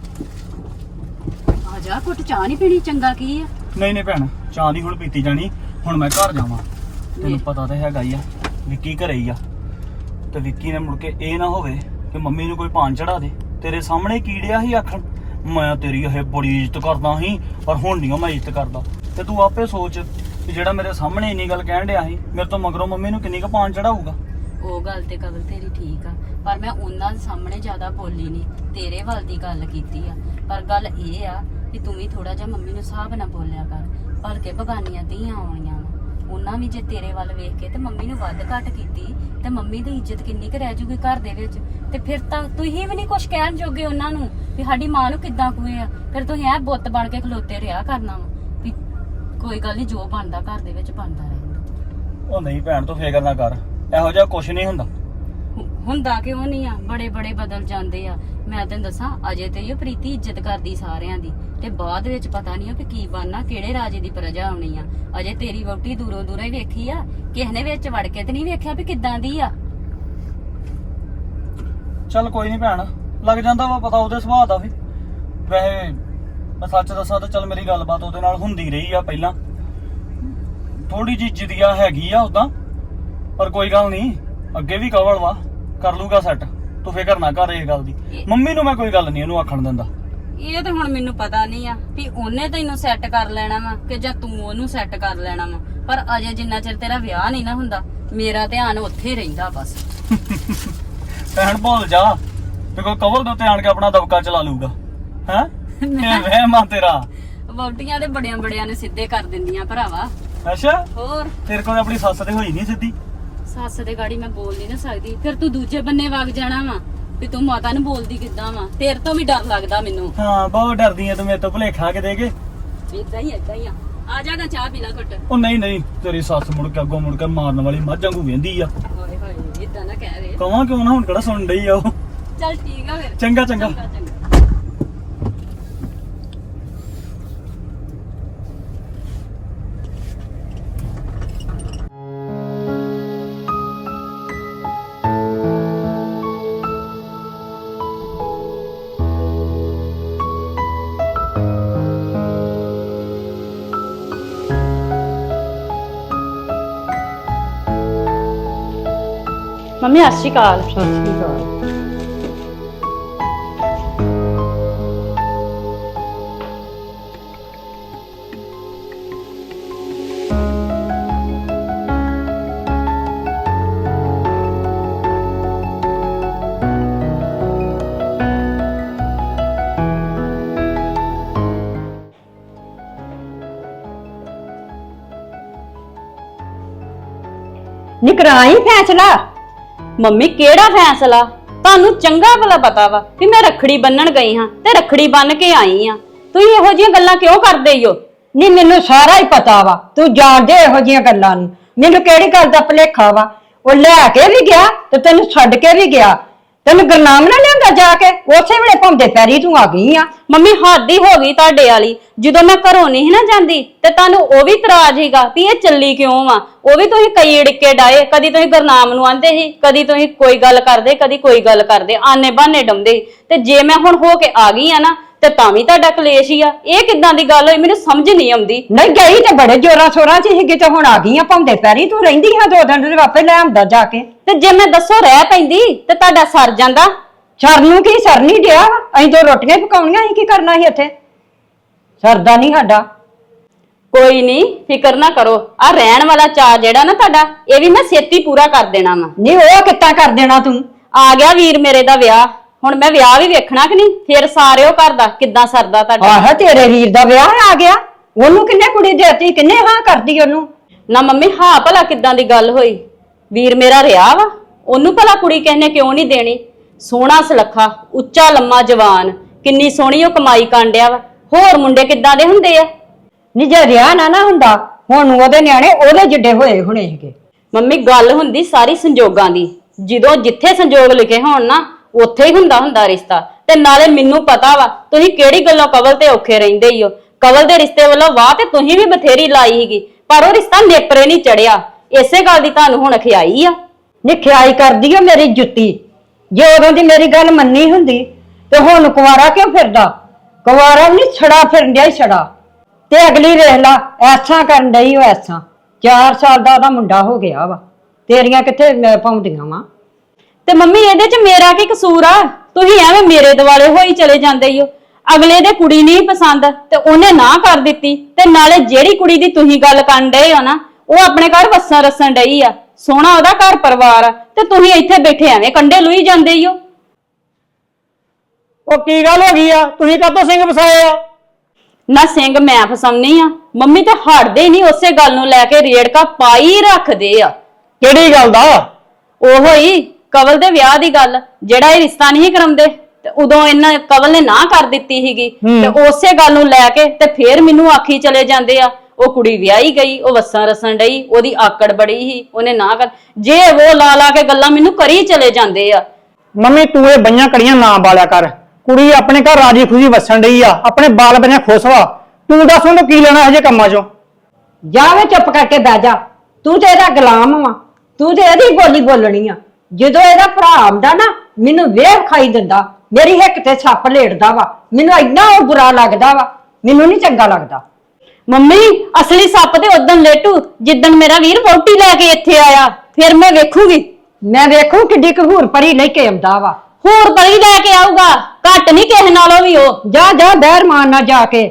Speaker 1: ਆ ਜਾ ਕੁੱਟ ਚਾਹ ਨਹੀਂ ਪੀਣੀ? ਚੰਗਾ ਕੀ ਆ?
Speaker 4: ਨਹੀਂ ਨਹੀਂ ਭੈਣ, ਚਾਹ ਦੀ ਹੁਣ ਪੀਤੀ ਜਾਣੀ। ਹੁਣ ਮੈਂ ਘਰ ਜਾਵਾਂ, ਤੈਨੂੰ ਪਤਾ ਤਾਂ ਹੈਗਾ ਹੀ ਆ ਵਿੱਕੀ ਘਰੇ ਹੀ ਆ। ਤੇ ਵਿੱਕੀ ਨੇ ਮੁੜ ਕੇ ਇਹ ਨਾ ਹੋਵੇ ਕਿ ਮੰਮੀ ਨੂੰ ਕੋਈ ਪਾਨ ਚੜਾ ਦੇ। ਤੇਰੇ ਸਾਹਮਣੇ ਕੀੜਿਆ ਸੀ ਆਖਣ ਮੈਂ ਤੇਰੀ ਇਹ ਬੜੀ ਇੱਜ਼ਤ ਕਰਦਾ ਸੀ, ਪਰ ਹੁਣ ਨਹੀਂ ਮੈਂ ਇੱਜ਼ਤ ਕਰਦਾ। ਤੇ ਤੂੰ ਆਪੇ ਸੋਚ ਕਿ ਜਿਹੜਾ ਮੇਰੇ ਸਾਹਮਣੇ ਇੰਨੀ ਗੱਲ ਕਹਿਣ ਡਿਆ ਸੀ, ਮੇਰੇ ਤੋਂ ਮਗਰੋਂ ਮੰਮੀ ਨੂੰ ਕਿੰਨੀ ਕੁ ਪਾਨ ਚੜਾਊਗਾ।
Speaker 1: ਉਹ ਗੱਲ ਤੇ ਕਬਲ ਤੇਰੀ ਠੀਕ ਆ, ਪਰ ਮੈਂ ਉਹਨਾਂ ਦੇ ਸਾਹਮਣੇ ਜ਼ਿਆਦਾ ਬੋਲੀ ਨਹੀਂ, ਤੇਰੇ ਵੱਲ ਦੀ ਗੱਲ ਕੀਤੀ ਆ। ਪਰ ਗੱਲ ਇਹ ਆ ਕਿ ਤੂੰ ਵੀ ਥੋੜਾ ਜਿਹਾ ਮੰਮੀ ਨੂੰ ਹਿਸਾਬ ਨਾਲ ਬੋਲਿਆ ਕਰ, ਭਲਕੇ ਬਗਾਨੀਆਂ ਧੀਆਂ ਆਉਣੀਆਂ ਵਾ। ਉਹਨਾਂ ਵੀ ਜੇ ਤੇਰੇ ਵੱਲ ਵੇਖ ਕੇ ਤੇ ਮੰਮੀ ਨੂੰ ਵੱਧ ਘੱਟ ਕੀਤੀ ਤੇ ਮੰਮੀ ਦੀ ਇੱਜ਼ਤ ਕਿੰਨੀ ਕੁ ਰਹਿ ਜੂਗੀ ਘਰ ਦੇ ਵਿੱਚ। ਤੇ ਫਿਰ ਤਾਂ ਤੁਸੀਂ ਵੀ ਨਹੀਂ ਕੁਝ ਕਹਿਣ ਜੋਗੇ ਉਹਨਾਂ ਨੂੰ ਵੀ ਸਾਡੀ ਮਾਂ ਨੂੰ ਕਿੱਦਾਂ ਕੁਏ ਆ। ਫਿਰ ਤੁਸੀਂ ਐ ਬੁੱਤ ਬਣ ਕੇ ਖਲੋਤੇ ਰਿਹਾ ਕਰਨਾ ਵਾ ਵੀ ਕੋਈ ਗੱਲ ਨਹੀਂ, ਜੋ ਬਣਦਾ ਘਰ ਦੇ ਵਿੱਚ ਬਣਦਾ ਰਹਿੰਦਾ।
Speaker 4: ਉਹ ਨਹੀਂ ਭੈਣ, ਤੂੰ ਫਿਕਰ ਨਾ ਕਰ, ਇਹੋ ਜਿਹਾ ਕੁਝ ਨਹੀਂ ਹੁੰਦਾ।
Speaker 1: ਹੁੰਦਾ ਕਿਉਂ ਨਹੀਂ ਆ? ਬੜੇ ਬੜੇ ਬਦਲ ਜਾਂਦੇ ਆ। ਮੈਂ ਤੈਨੂੰ ਦੱਸਾਂ, ਅਜੇ ਤੇ ਇਹ ਪ੍ਰੀਤੀ ਇੱਜ਼ਤ ਕਰਦੀ ਸਾਰਿਆਂ ਦੀ, ਤੇ ਬਾਅਦ ਵਿੱਚ ਪਤਾ ਨਹੀਂ ਕਿ ਕੀ ਬਣਨਾ, ਕਿਹੜੇ ਰਾਜੇ ਦੀ ਪ੍ਰਜਾ ਆਉਣੀ ਆ। ਅਜੇ ਤੇਰੀ ਵਹੁਟੀ ਦੂਰੋਂ ਦੂਰੋਂ ਹੀ ਵੇਖੀ ਆ, ਕਿਸੇ ਨੇ ਵਿੱਚ ਵੜ ਕੇ ਤੇ ਨਹੀਂ ਵੇਖਿਆ ਵੀ ਕਿੱਦਾਂ ਦੀ ਆ।
Speaker 4: ਚੱਲ ਕੋਈ ਨਹੀਂ ਭੈਣ, ਲੱਗ ਜਾਂਦਾ ਵਾ ਪਤਾ ਉਹਦੇ ਸੁਭਾਅ ਦਾ ਵੀ। ਵੈਸੇ ਮੈਂ ਸੱਚ ਦੱਸਾਂ ਤਾਂ ਚੱਲ ਮੇਰੀ ਗੱਲਬਾਤ ਉਹਦੇ ਨਾਲ ਹੁੰਦੀ ਰਹੀ ਆ ਪਹਿਲਾਂ, ਥੋੜੀ ਜਿਹੀ ਜਿੱਦਿਆ ਹੈਗੀ ਆ ਉਦਾਂ, ਪਰ ਕੋਈ ਗੱਲ ਨਹੀਂ, ਅੱਗੇ ਵੀ ਕਵਲ ਵਾ, ਕਰ ਲੂਗਾ ਸੈੱਟ। ਤੂੰ ਫਿਕਰ ਨਾ ਕਰ ਇਹ ਗੱਲ ਦੀ। ਮੰਮੀ ਨੂੰ ਮੈਂ ਕੋਈ ਗੱਲ ਨਹੀਂ ਉਹਨੂੰ ਆਖਣ ਦਿੰਦਾ।
Speaker 1: ਇਹ ਤੇ ਹੁਣ ਮੈਨੂੰ ਪਤਾ ਨਹੀਂ ਆ ਵੀ ਉਹਨੇ ਤੈਨੂੰ ਸੈੱਟ ਕਰ ਲੈਣਾ ਵਾ ਕਿ ਜਾਂ ਤੂੰ ਉਹਨੂੰ ਸੈੱਟ ਕਰ ਲੈਣਾ ਵਾ, ਪਰ ਅਜੇ ਜਿੰਨਾ ਚਿਰ ਤੇਰਾ ਵਿਆਹ ਨਹੀਂ ਨਾ ਹੁੰਦਾ ਮੇਰਾ ਧਿਆਨ ਉੱਥੇ ਹੀ ਰਹਿੰਦਾ ਬਸ।
Speaker 4: ਭੈਣ ਭੁੱਲ ਜਾ ਤੇ ਕੋਈ ਕਵਲ ਦੇ ਉੱਤੇ ਆਣ ਕੇ ਆਪਣਾ ਦਬਕਾ ਚਲਾ ਲੂਗਾ। ਹੈ ਇਹ ਵਹਿਮ ਆ ਤੇਰਾ।
Speaker 1: ਵਹੁਟੀਆਂ ਦੇ ਬੜਿਆਂ ਬੜਿਆਂ ਨੇ ਸਿੱਧੇ ਕਰ ਦਿੰਦੀਆਂ ਭਰਾਵਾ।
Speaker 4: ਅੱਛਾ
Speaker 1: ਹੋਰ
Speaker 4: ਤੇਰੇ ਕੋਲ ਆਪਣੀ ਸੱਸ ਤੇ ਹੋਈ ਨਹੀਂ ਸਿੱਧੀ।
Speaker 1: ਸੱਸ ਦੇ ਗਾੜੀ ਮੈਂ ਬੋਲ ਨਹੀਂ ਨਾ ਸਕਦੀ, ਫਿਰ ਤੂੰ ਦੂਜੇ ਬੰਨੇ ਵਗ ਜਾਣਾ ਵਾ ਵੀ ਤੂੰ ਮਾਤਾ ਨੂੰ ਬੋਲਦੀ ਕਿੱਦਾਂ ਵਾ। ਤੇਰੇ ਤੋਂ ਵੀ ਡਰ ਲੱਗਦਾ ਮੈਨੂੰ।
Speaker 4: ਹਾਂ ਬਹੁਤ ਡਰਦੀ ਐ ਤੂੰ ਮੇਰੇ ਤੋਂ ਭੁਲੇਖਾ ਕੇ ਦੇ ਕੇ।
Speaker 1: ਇਦਾਂ ਹੀ ਇਦਾਂ ਹੀ ਆ ਆ ਜਾਗਾ ਚਾਹ ਪੀ ਲੈ ਘੁੱਟ।
Speaker 4: ਉਹ ਨਹੀਂ ਨਹੀਂ ਤੇਰੀ ਸੱਸ ਮੁੜ ਕੇ ਅੱਗੋਂ ਮੁੜ ਕੇ ਮਾਰਨ ਵਾਲੀ ਮੱਝ ਵਾਂਗੂ ਵੇਂਦੀ ਆ।
Speaker 1: ਹੋਏ ਹੋਏ ਇਦਾਂ ਨਾ ਕਹਿ ਵੇ।
Speaker 4: ਕਵਾਂ ਕਿਉਂ ਨਾ, ਹੁਣ ਕਿਹੜਾ ਸੁਣ ਡਈ ਆ ਉਹ।
Speaker 1: ਚੱਲ ਠੀਕ ਆ ਫਿਰ।
Speaker 4: ਚੰਗਾ ਚੰਗਾ।
Speaker 1: ਚੰਗਾ ਚੰਗਾ। ਮੰਮੀ ਸਤਿ ਸ਼੍ਰੀ ਅਕਾਲ।
Speaker 2: ਸਤਿ ਸ਼੍ਰੀ ਅਕਾਲ। ਨਿਕਰਾਈ ਫੈਸਲਾ।
Speaker 1: ਮੰਮੀ ਕਿਹੜਾ ਫੈਸਲਾ? ਤੁਹਾਨੂੰ ਚੰਗਾ ਭਲਾ ਪਤਾ ਵਾ ਕਿ ਮੈਂ ਰੱਖੜੀ ਬੰਨਣ ਗਈ ਹਾਂ ਤੇ ਰੱਖੜੀ ਬੰਨ ਕੇ ਆਈ ਆ। ਤੁਸੀਂ ਇਹੋ ਜਿਹੀਆਂ ਗੱਲਾਂ ਕਿਉਂ ਕਰਦੇ ਹੋ?
Speaker 2: ਨਹੀਂ ਮੈਨੂੰ ਸਾਰਾ ਹੀ ਪਤਾ ਵਾ, ਤੂੰ ਜਾਣਦੇ ਇਹੋ ਜੀਆਂ ਗੱਲਾਂ ਨੂੰ। ਮੈਨੂੰ ਕਿਹੜੀ ਗੱਲ ਦਾ ਭੁਲੇਖਾ ਵਾ? ਉਹ ਲੈ ਕੇ ਵੀ ਗਿਆ ਤੇ ਤੈਨੂੰ ਛੱਡ ਕੇ ਵੀ ਗਿਆ। ਤੈਨੂੰ ਗੁਰਨਾਮ ਨਾ ਲਿਆਂਦਾ ਜਾ ਕੇ, ਉਸੇ ਵੇਲੇ ਭੌਂਦੇ ਪੈਰੀ ਤੂੰ ਆ ਗਈ ਆ।
Speaker 1: ਮੰਮੀ ਹੱਦ ਹੀ ਹੋ ਗਈ ਤੁਹਾਡੇ ਵਾਲੀ। ਜਦੋਂ ਮੈਂ ਘਰੋਂ ਨਹੀਂ ਸੀ ਨਾ ਜਾਂਦੀ ਤੇ ਤੁਹਾਨੂੰ ਉਹ ਵੀ ਇਤਰਾਜ਼ ਹੀਗਾ ਵੀ ਇਹ ਚੱਲੀ ਕਿਉਂ ਵਾ। ਉਹ ਵੀ ਤੁਸੀਂ ਕਈ ੜਿੱਕੇ ਡਾਏ, ਕਦੀ ਤੁਸੀਂ ਗੁਰਨਾਮ ਨੂੰ ਆਂਦੇ ਸੀ, ਕਦੀ ਤੁਸੀਂ ਕੋਈ ਗੱਲ ਕਰਦੇ, ਕਦੀ ਕੋਈ ਗੱਲ ਕਰਦੇ, ਆਨੇ ਬਹਾਨੇ ਡਾਉਂਦੇ। ਤੇ ਜੇ ਮੈਂ ਹੁਣ ਹੋ ਕੇ ਆ ਗਈ ਆ ਨਾ ਤੇ ਤਾਂ ਵੀ ਤੁਹਾਡਾ ਕਲੇਸ਼ ਹੀ ਆ। ਇਹ ਕਿੱਦਾਂ ਦੀ ਗੱਲ ਹੋਈ? ਮੈਨੂੰ ਸਮਝ ਨਹੀਂ ਆਉਂਦੀ।
Speaker 2: ਨਹੀਂ ਗਈ ਤੇ ਬੜੇ ਜੋਰਾਂ ਸ਼ੋਰਾਂ ਚ ਸੀਗੀ ਤੇ ਹੁਣ ਆ ਗਈ ਆ ਭੌਂਦੇ ਪੈਰੀ। ਤੂੰ ਰਹਿੰਦੀ ਹਾਂ ਦੋ ਦਿਨ ਦੇ ਵਾਪੇ ਲੈ ਆਉਂਦਾ ਜਾ ਕੇ।
Speaker 1: ਤੇ ਜੇ ਮੈਂ ਦੱਸੋ ਰਹਿ ਪੈਂਦੀ ਤੇ ਤੁਹਾਡਾ ਸਰ ਜਾਂਦਾ।
Speaker 2: ਸਰ ਨੂੰ ਕੀ ਸਰ ਨਹੀਂ ਡਿਆ? ਅਸੀਂ ਦੋ ਰੋਟੀਆਂ ਪਕਾਉਣੀਆਂ, ਅਸੀਂ ਕੀ ਕਰਨਾ ਸੀ ਇੱਥੇ? ਸਰਦਾ ਨਹੀਂ ਸਾਡਾ।
Speaker 1: ਕੋਈ ਨਹੀਂ ਫਿਕਰ ਨਾ ਕਰੋ। ਆ ਰਹਿਣ ਵਾਲਾ ਚਾਅ ਜਿਹੜਾ ਨਾ ਤੁਹਾਡਾ, ਇਹ ਵੀ ਮੈਂ ਛੇਤੀ ਪੂਰਾ ਕਰ ਦੇਣਾ ਵਾ।
Speaker 2: ਨਹੀਂ ਉਹ ਕਿੱਦਾਂ ਕਰ ਦੇਣਾ ਤੂੰ?
Speaker 1: ਆ ਗਿਆ ਵੀਰ ਮੇਰੇ ਦਾ ਵਿਆਹ, ਹੁਣ ਮੈਂ ਵਿਆਹ ਵੀ ਵੇਖਣਾ ਕਿ ਨਹੀਂ? ਫਿਰ ਸਾਰਿਓ ਘਰ ਦਾ ਕਿੱਦਾਂ ਸਰਦਾ ਤੁਹਾਡਾ।
Speaker 2: ਆਹ ਤੇਰੇ ਵੀਰ ਦਾ ਵਿਆਹ ਆ ਗਿਆ, ਉਹਨੂੰ ਕਿੰਨੇ ਕੁੜੀ ਦੇਤੀ? ਕਿੰਨੇ ਹਾਂ ਕਰਦੀ ਉਹਨੂੰ?
Speaker 1: ਨਾ ਮੰਮੀ ਹਾਂ ਭਲਾ ਕਿੱਦਾਂ ਦੀ ਗੱਲ ਹੋਈ? ਵੀਰ ਮੇਰਾ ਰਿਹਾ ਵਾ, ਉਹਨੂੰ ਭਲਾ ਕੁੜੀ ਕਿਸੇ ਨੇ ਕਿਉਂ ਨਹੀਂ ਦੇਣੀ? ਸੋਹਣਾ ਸੁਲੱਖਾ, ਉੱਚਾ ਲੰਮਾ ਜਵਾਨ, ਕਿੰਨੀ ਸੋਹਣੀ ਉਹ ਕਮਾਈ ਕਾਂਡਿਆ ਵਾ। ਹੋਰ ਮੁੰਡੇ ਕਿੱਦਾਂ ਦੇ ਹੁੰਦੇ ਆ?
Speaker 2: ਨੀ ਜੇ ਰਿਆ ਨਾ ਨਾ ਹੁੰਦਾ ਹੁਣ ਉਹਦੇ ਨਿਆਣੇ ਉਹਦੇ ਜਿੱਡੇ ਹੋਏ ਹੁਣੇ ਸੀਗੇ।
Speaker 1: ਮੰਮੀ ਗੱਲ ਹੁੰਦੀ ਸਾਰੀ ਸੰਜੋਗਾਂ ਦੀ। ਜਦੋਂ ਜਿੱਥੇ ਸੰਜੋਗ ਲਿਖੇ ਹੋਣ ਨਾ ਉੱਥੇ ਹੀ ਹੁੰਦਾ ਹੁੰਦਾ ਰਿਸ਼ਤਾ। ਤੇ ਨਾਲੇ ਮੈਨੂੰ ਪਤਾ ਵਾ ਤੁਸੀਂ ਕਿਹੜੀ ਗੱਲੋਂ ਕਵਲ ਤੇ ਔਖੇ ਰਹਿੰਦੇ ਹੀ ਹੋ। ਕਵਲ ਦੇ ਰਿਸ਼ਤੇ ਵੱਲੋਂ ਵਾਹ ਤੇ ਤੁਸੀਂ ਵੀ ਬਥੇਰੀ ਲਾਈ ਸੀਗੀ, ਪਰ ਉਹ ਰਿਸ਼ਤਾ ਨੇਪਰੇ ਨਹੀਂ ਚੜਿਆ। ਇਸੇ ਗੱਲ ਦੀ ਤੁਹਾਨੂੰ ਹੁਣ ਖਿਆਈ ਆ।
Speaker 2: ਨੀ ਖਿਆਈ ਕਰਦੀ ਓ ਮੇਰੀ ਜੁੱਤੀ। ਜੇ ਉਦੋਂ ਦੀ ਮੇਰੀ ਗੱਲ ਮੰਨੀ ਹੁੰਦੀ ਤੇ ਹੁਣ ਕੁਵਾਰਾ ਕਿਉਂ ਫਿਰਦਾ? ਕੁਵਾਰਾ ਵੀ ਨਹੀਂ ਛੜਾ ਫਿਰਨ ਡਿਆ ਹੀ ਛੜਾ। ਤੇ ਅਗਲੀ ਵੇਖ ਲਾ ਐਸਾਂ ਕਰਨ ਡਈ ਉਹ ਐਸਾਂ। ਚਾਰ ਸਾਲ ਦਾ ਉਹਦਾ ਮੁੰਡਾ ਹੋ ਗਿਆ ਵਾ, ਤੇਰੀਆਂ ਕਿੱਥੇ ਪਾਉਂਦੀਆਂ ਵਾ?
Speaker 1: ਤੇ ਮੰਮੀ ਇਹਦੇ ਚ ਮੇਰਾ ਕੀ ਕਸੂਰ ਆ? ਤੁਸੀਂ ਐਵੇਂ ਮੇਰੇ ਦਿਵਾਲੇ ਹੋਈ ਚਲੇ ਜਾਂਦੇ ਹੋ। ਅਗਲੇ ਦੇ ਕੁੜੀ ਨਹੀਂ ਪਸੰਦ ਤੇ ਉਹਨੇ ਨਾ ਕਰ ਦਿੱਤੀ, ਤੇ ਨਾਲੇ ਜਿਹੜੀ ਕੁੜੀ ਦੀ ਤੁਸੀਂ ਗੱਲ ਕਰਨ ਡਏ ਹੋ ਨਾ ਉਹ ਆਪਣੇ ਘਰ ਵਸਣ ਰਸਣ ਡਈ ਆ। ਸੋਹਣਾ ਉਹਦਾ ਘਰ ਪਰਿਵਾਰ ਆ ਤੇ ਤੁਸੀਂ ਇੱਥੇ ਬੈਠੇ ਐਵੇਂ ਕੰਡੇ ਲੁਈ ਜਾਂਦੇ ਹੋ।
Speaker 4: ਉਹ ਕੀ ਗੱਲ ਹੋ ਗਈ ਆ? ਤੁਸੀਂ ਕਾਹਤੋਂ ਸਿੰਘ ਫਸਾਏ ਆ?
Speaker 1: ਨਾ ਸਿੰਘ ਮੈਂ ਫਸਾਉਣੀ ਆ? ਮੰਮੀ ਤੇ ਹਟਦੇ ਨਹੀਂ ਉਸੇ ਗੱਲ ਨੂੰ ਲੈ ਕੇ ਰੇੜਕਾ ਪਾਈ ਰੱਖਦੇ ਆ।
Speaker 4: ਕਿਹੜੀ ਗੱਲ ਦਾ?
Speaker 1: ਉਹੋ ਹੀ ਕਵਲ ਦੇ ਵਿਆਹ ਦੀ ਗੱਲ, ਜਿਹੜਾ ਇਹ ਰਿਸ਼ਤਾ ਨਹੀਂ ਕਰਾਉਂਦੇ ਤੇ ਉਦੋਂ ਇਹਨਾਂ ਕਵਲ ਨੇ ਨਾ ਕਰ ਦਿੱਤੀ ਸੀਗੀ ਤੇ ਉਸੇ ਗੱਲ ਨੂੰ ਲੈ ਕੇ ਤੇ ਫੇਰ ਮੈਨੂੰ ਆਖੀ ਚਲੇ ਜਾਂਦੇ ਆ ਉਹ ਕੁੜੀ ਵਿਆਹੀ ਗਈ, ਉਹ ਵਸਾਂ ਰਸਣ ਡਈ, ਉਹਦੀ ਆਕੜ ਬੜੀ ਸੀ, ਉਹਨੇ ਨਾ ਕਰ। ਜੇ ਉਹ ਲਾ ਲਾ ਕੇ ਗੱਲਾਂ ਮੈਨੂੰ ਕਰੀ ਚਲੇ ਜਾਂਦੇ ਆ।
Speaker 5: ਮੰਮੀ ਤੂੰ ਇਹ ਬਈਆਂ ਕੜੀਆਂ ਨਾ ਬਾਲਿਆ ਕਰ। ਕੁੜੀ ਆਪਣੇ ਘਰ ਰਾਜੀ ਖੁਸ਼ੀ ਵਸਣ ਡਈ ਆ, ਆਪਣੇ ਬਾਲ ਬੱਚੇ ਖੁਸ਼ ਵਾ। ਤੂੰ ਦੱਸ ਉਹਨੂੰ ਕੀ ਲੈਣਾ ਹਜੇ ਕੰਮਾਂ ਚੋਂ?
Speaker 2: ਜਾਵੇ ਚੁੱਪ ਕਰਕੇ ਬਹਿ ਜਾ। ਤੂੰ ਤੇ ਇਹਦਾ ਗੁਲਾਮ ਵਾ, ਤੂੰ ਤੇ ਇਹਦੀ ਬੋਲੀ ਬੋਲਣੀ ਆ। ਜਦੋਂ ਇਹਦਾ ਭਰਾ ਆਉਂਦਾ ਨਾ ਮੈਨੂੰ ਵੇਖ ਖਾਈ ਦਿੰਦਾ, ਮੇਰੀ ਹਿੱਕ ਤੇ ਸੱਪ ਲੇਟਦਾ ਵਾ, ਮੈਨੂੰ ਇੰਨਾ ਉਹ ਬੁਰਾ ਲੱਗਦਾ ਵਾ, ਮੈਨੂੰ ਨਹੀਂ ਚੰਗਾ ਲੱਗਦਾ।
Speaker 1: ਮੰਮੀ ਅਸਲੀ ਸੱਪ ਤੇ ਉਦੋਂ ਲੇਟੂ ਜਿੱਦਣ ਮੇਰਾ ਵੀਰ ਵਹੁਟੀ ਲੈ ਕੇ ਇੱਥੇ ਆਇਆ, ਫਿਰ ਮੈਂ ਵੇਖੂਗੀ।
Speaker 2: ਮੈਂ ਵੇਖੂ ਕਿੱਡੀ ਕਹੂਰ ਪਰੀ ਲੈ ਕੇ ਆਉਂਦਾ ਵਾ।
Speaker 1: ਹੋਰ ਬੜੀ ਲੈ ਕੇ ਆਊਗਾ, ਘੱਟ ਨਹੀਂ ਕਿਸੇ ਨਾਲੋਂ ਵੀ ਉਹ।
Speaker 2: ਜਾ ਜਾ ਦਹਿਰ ਮਾਰਨਾ ਜਾ ਕੇ।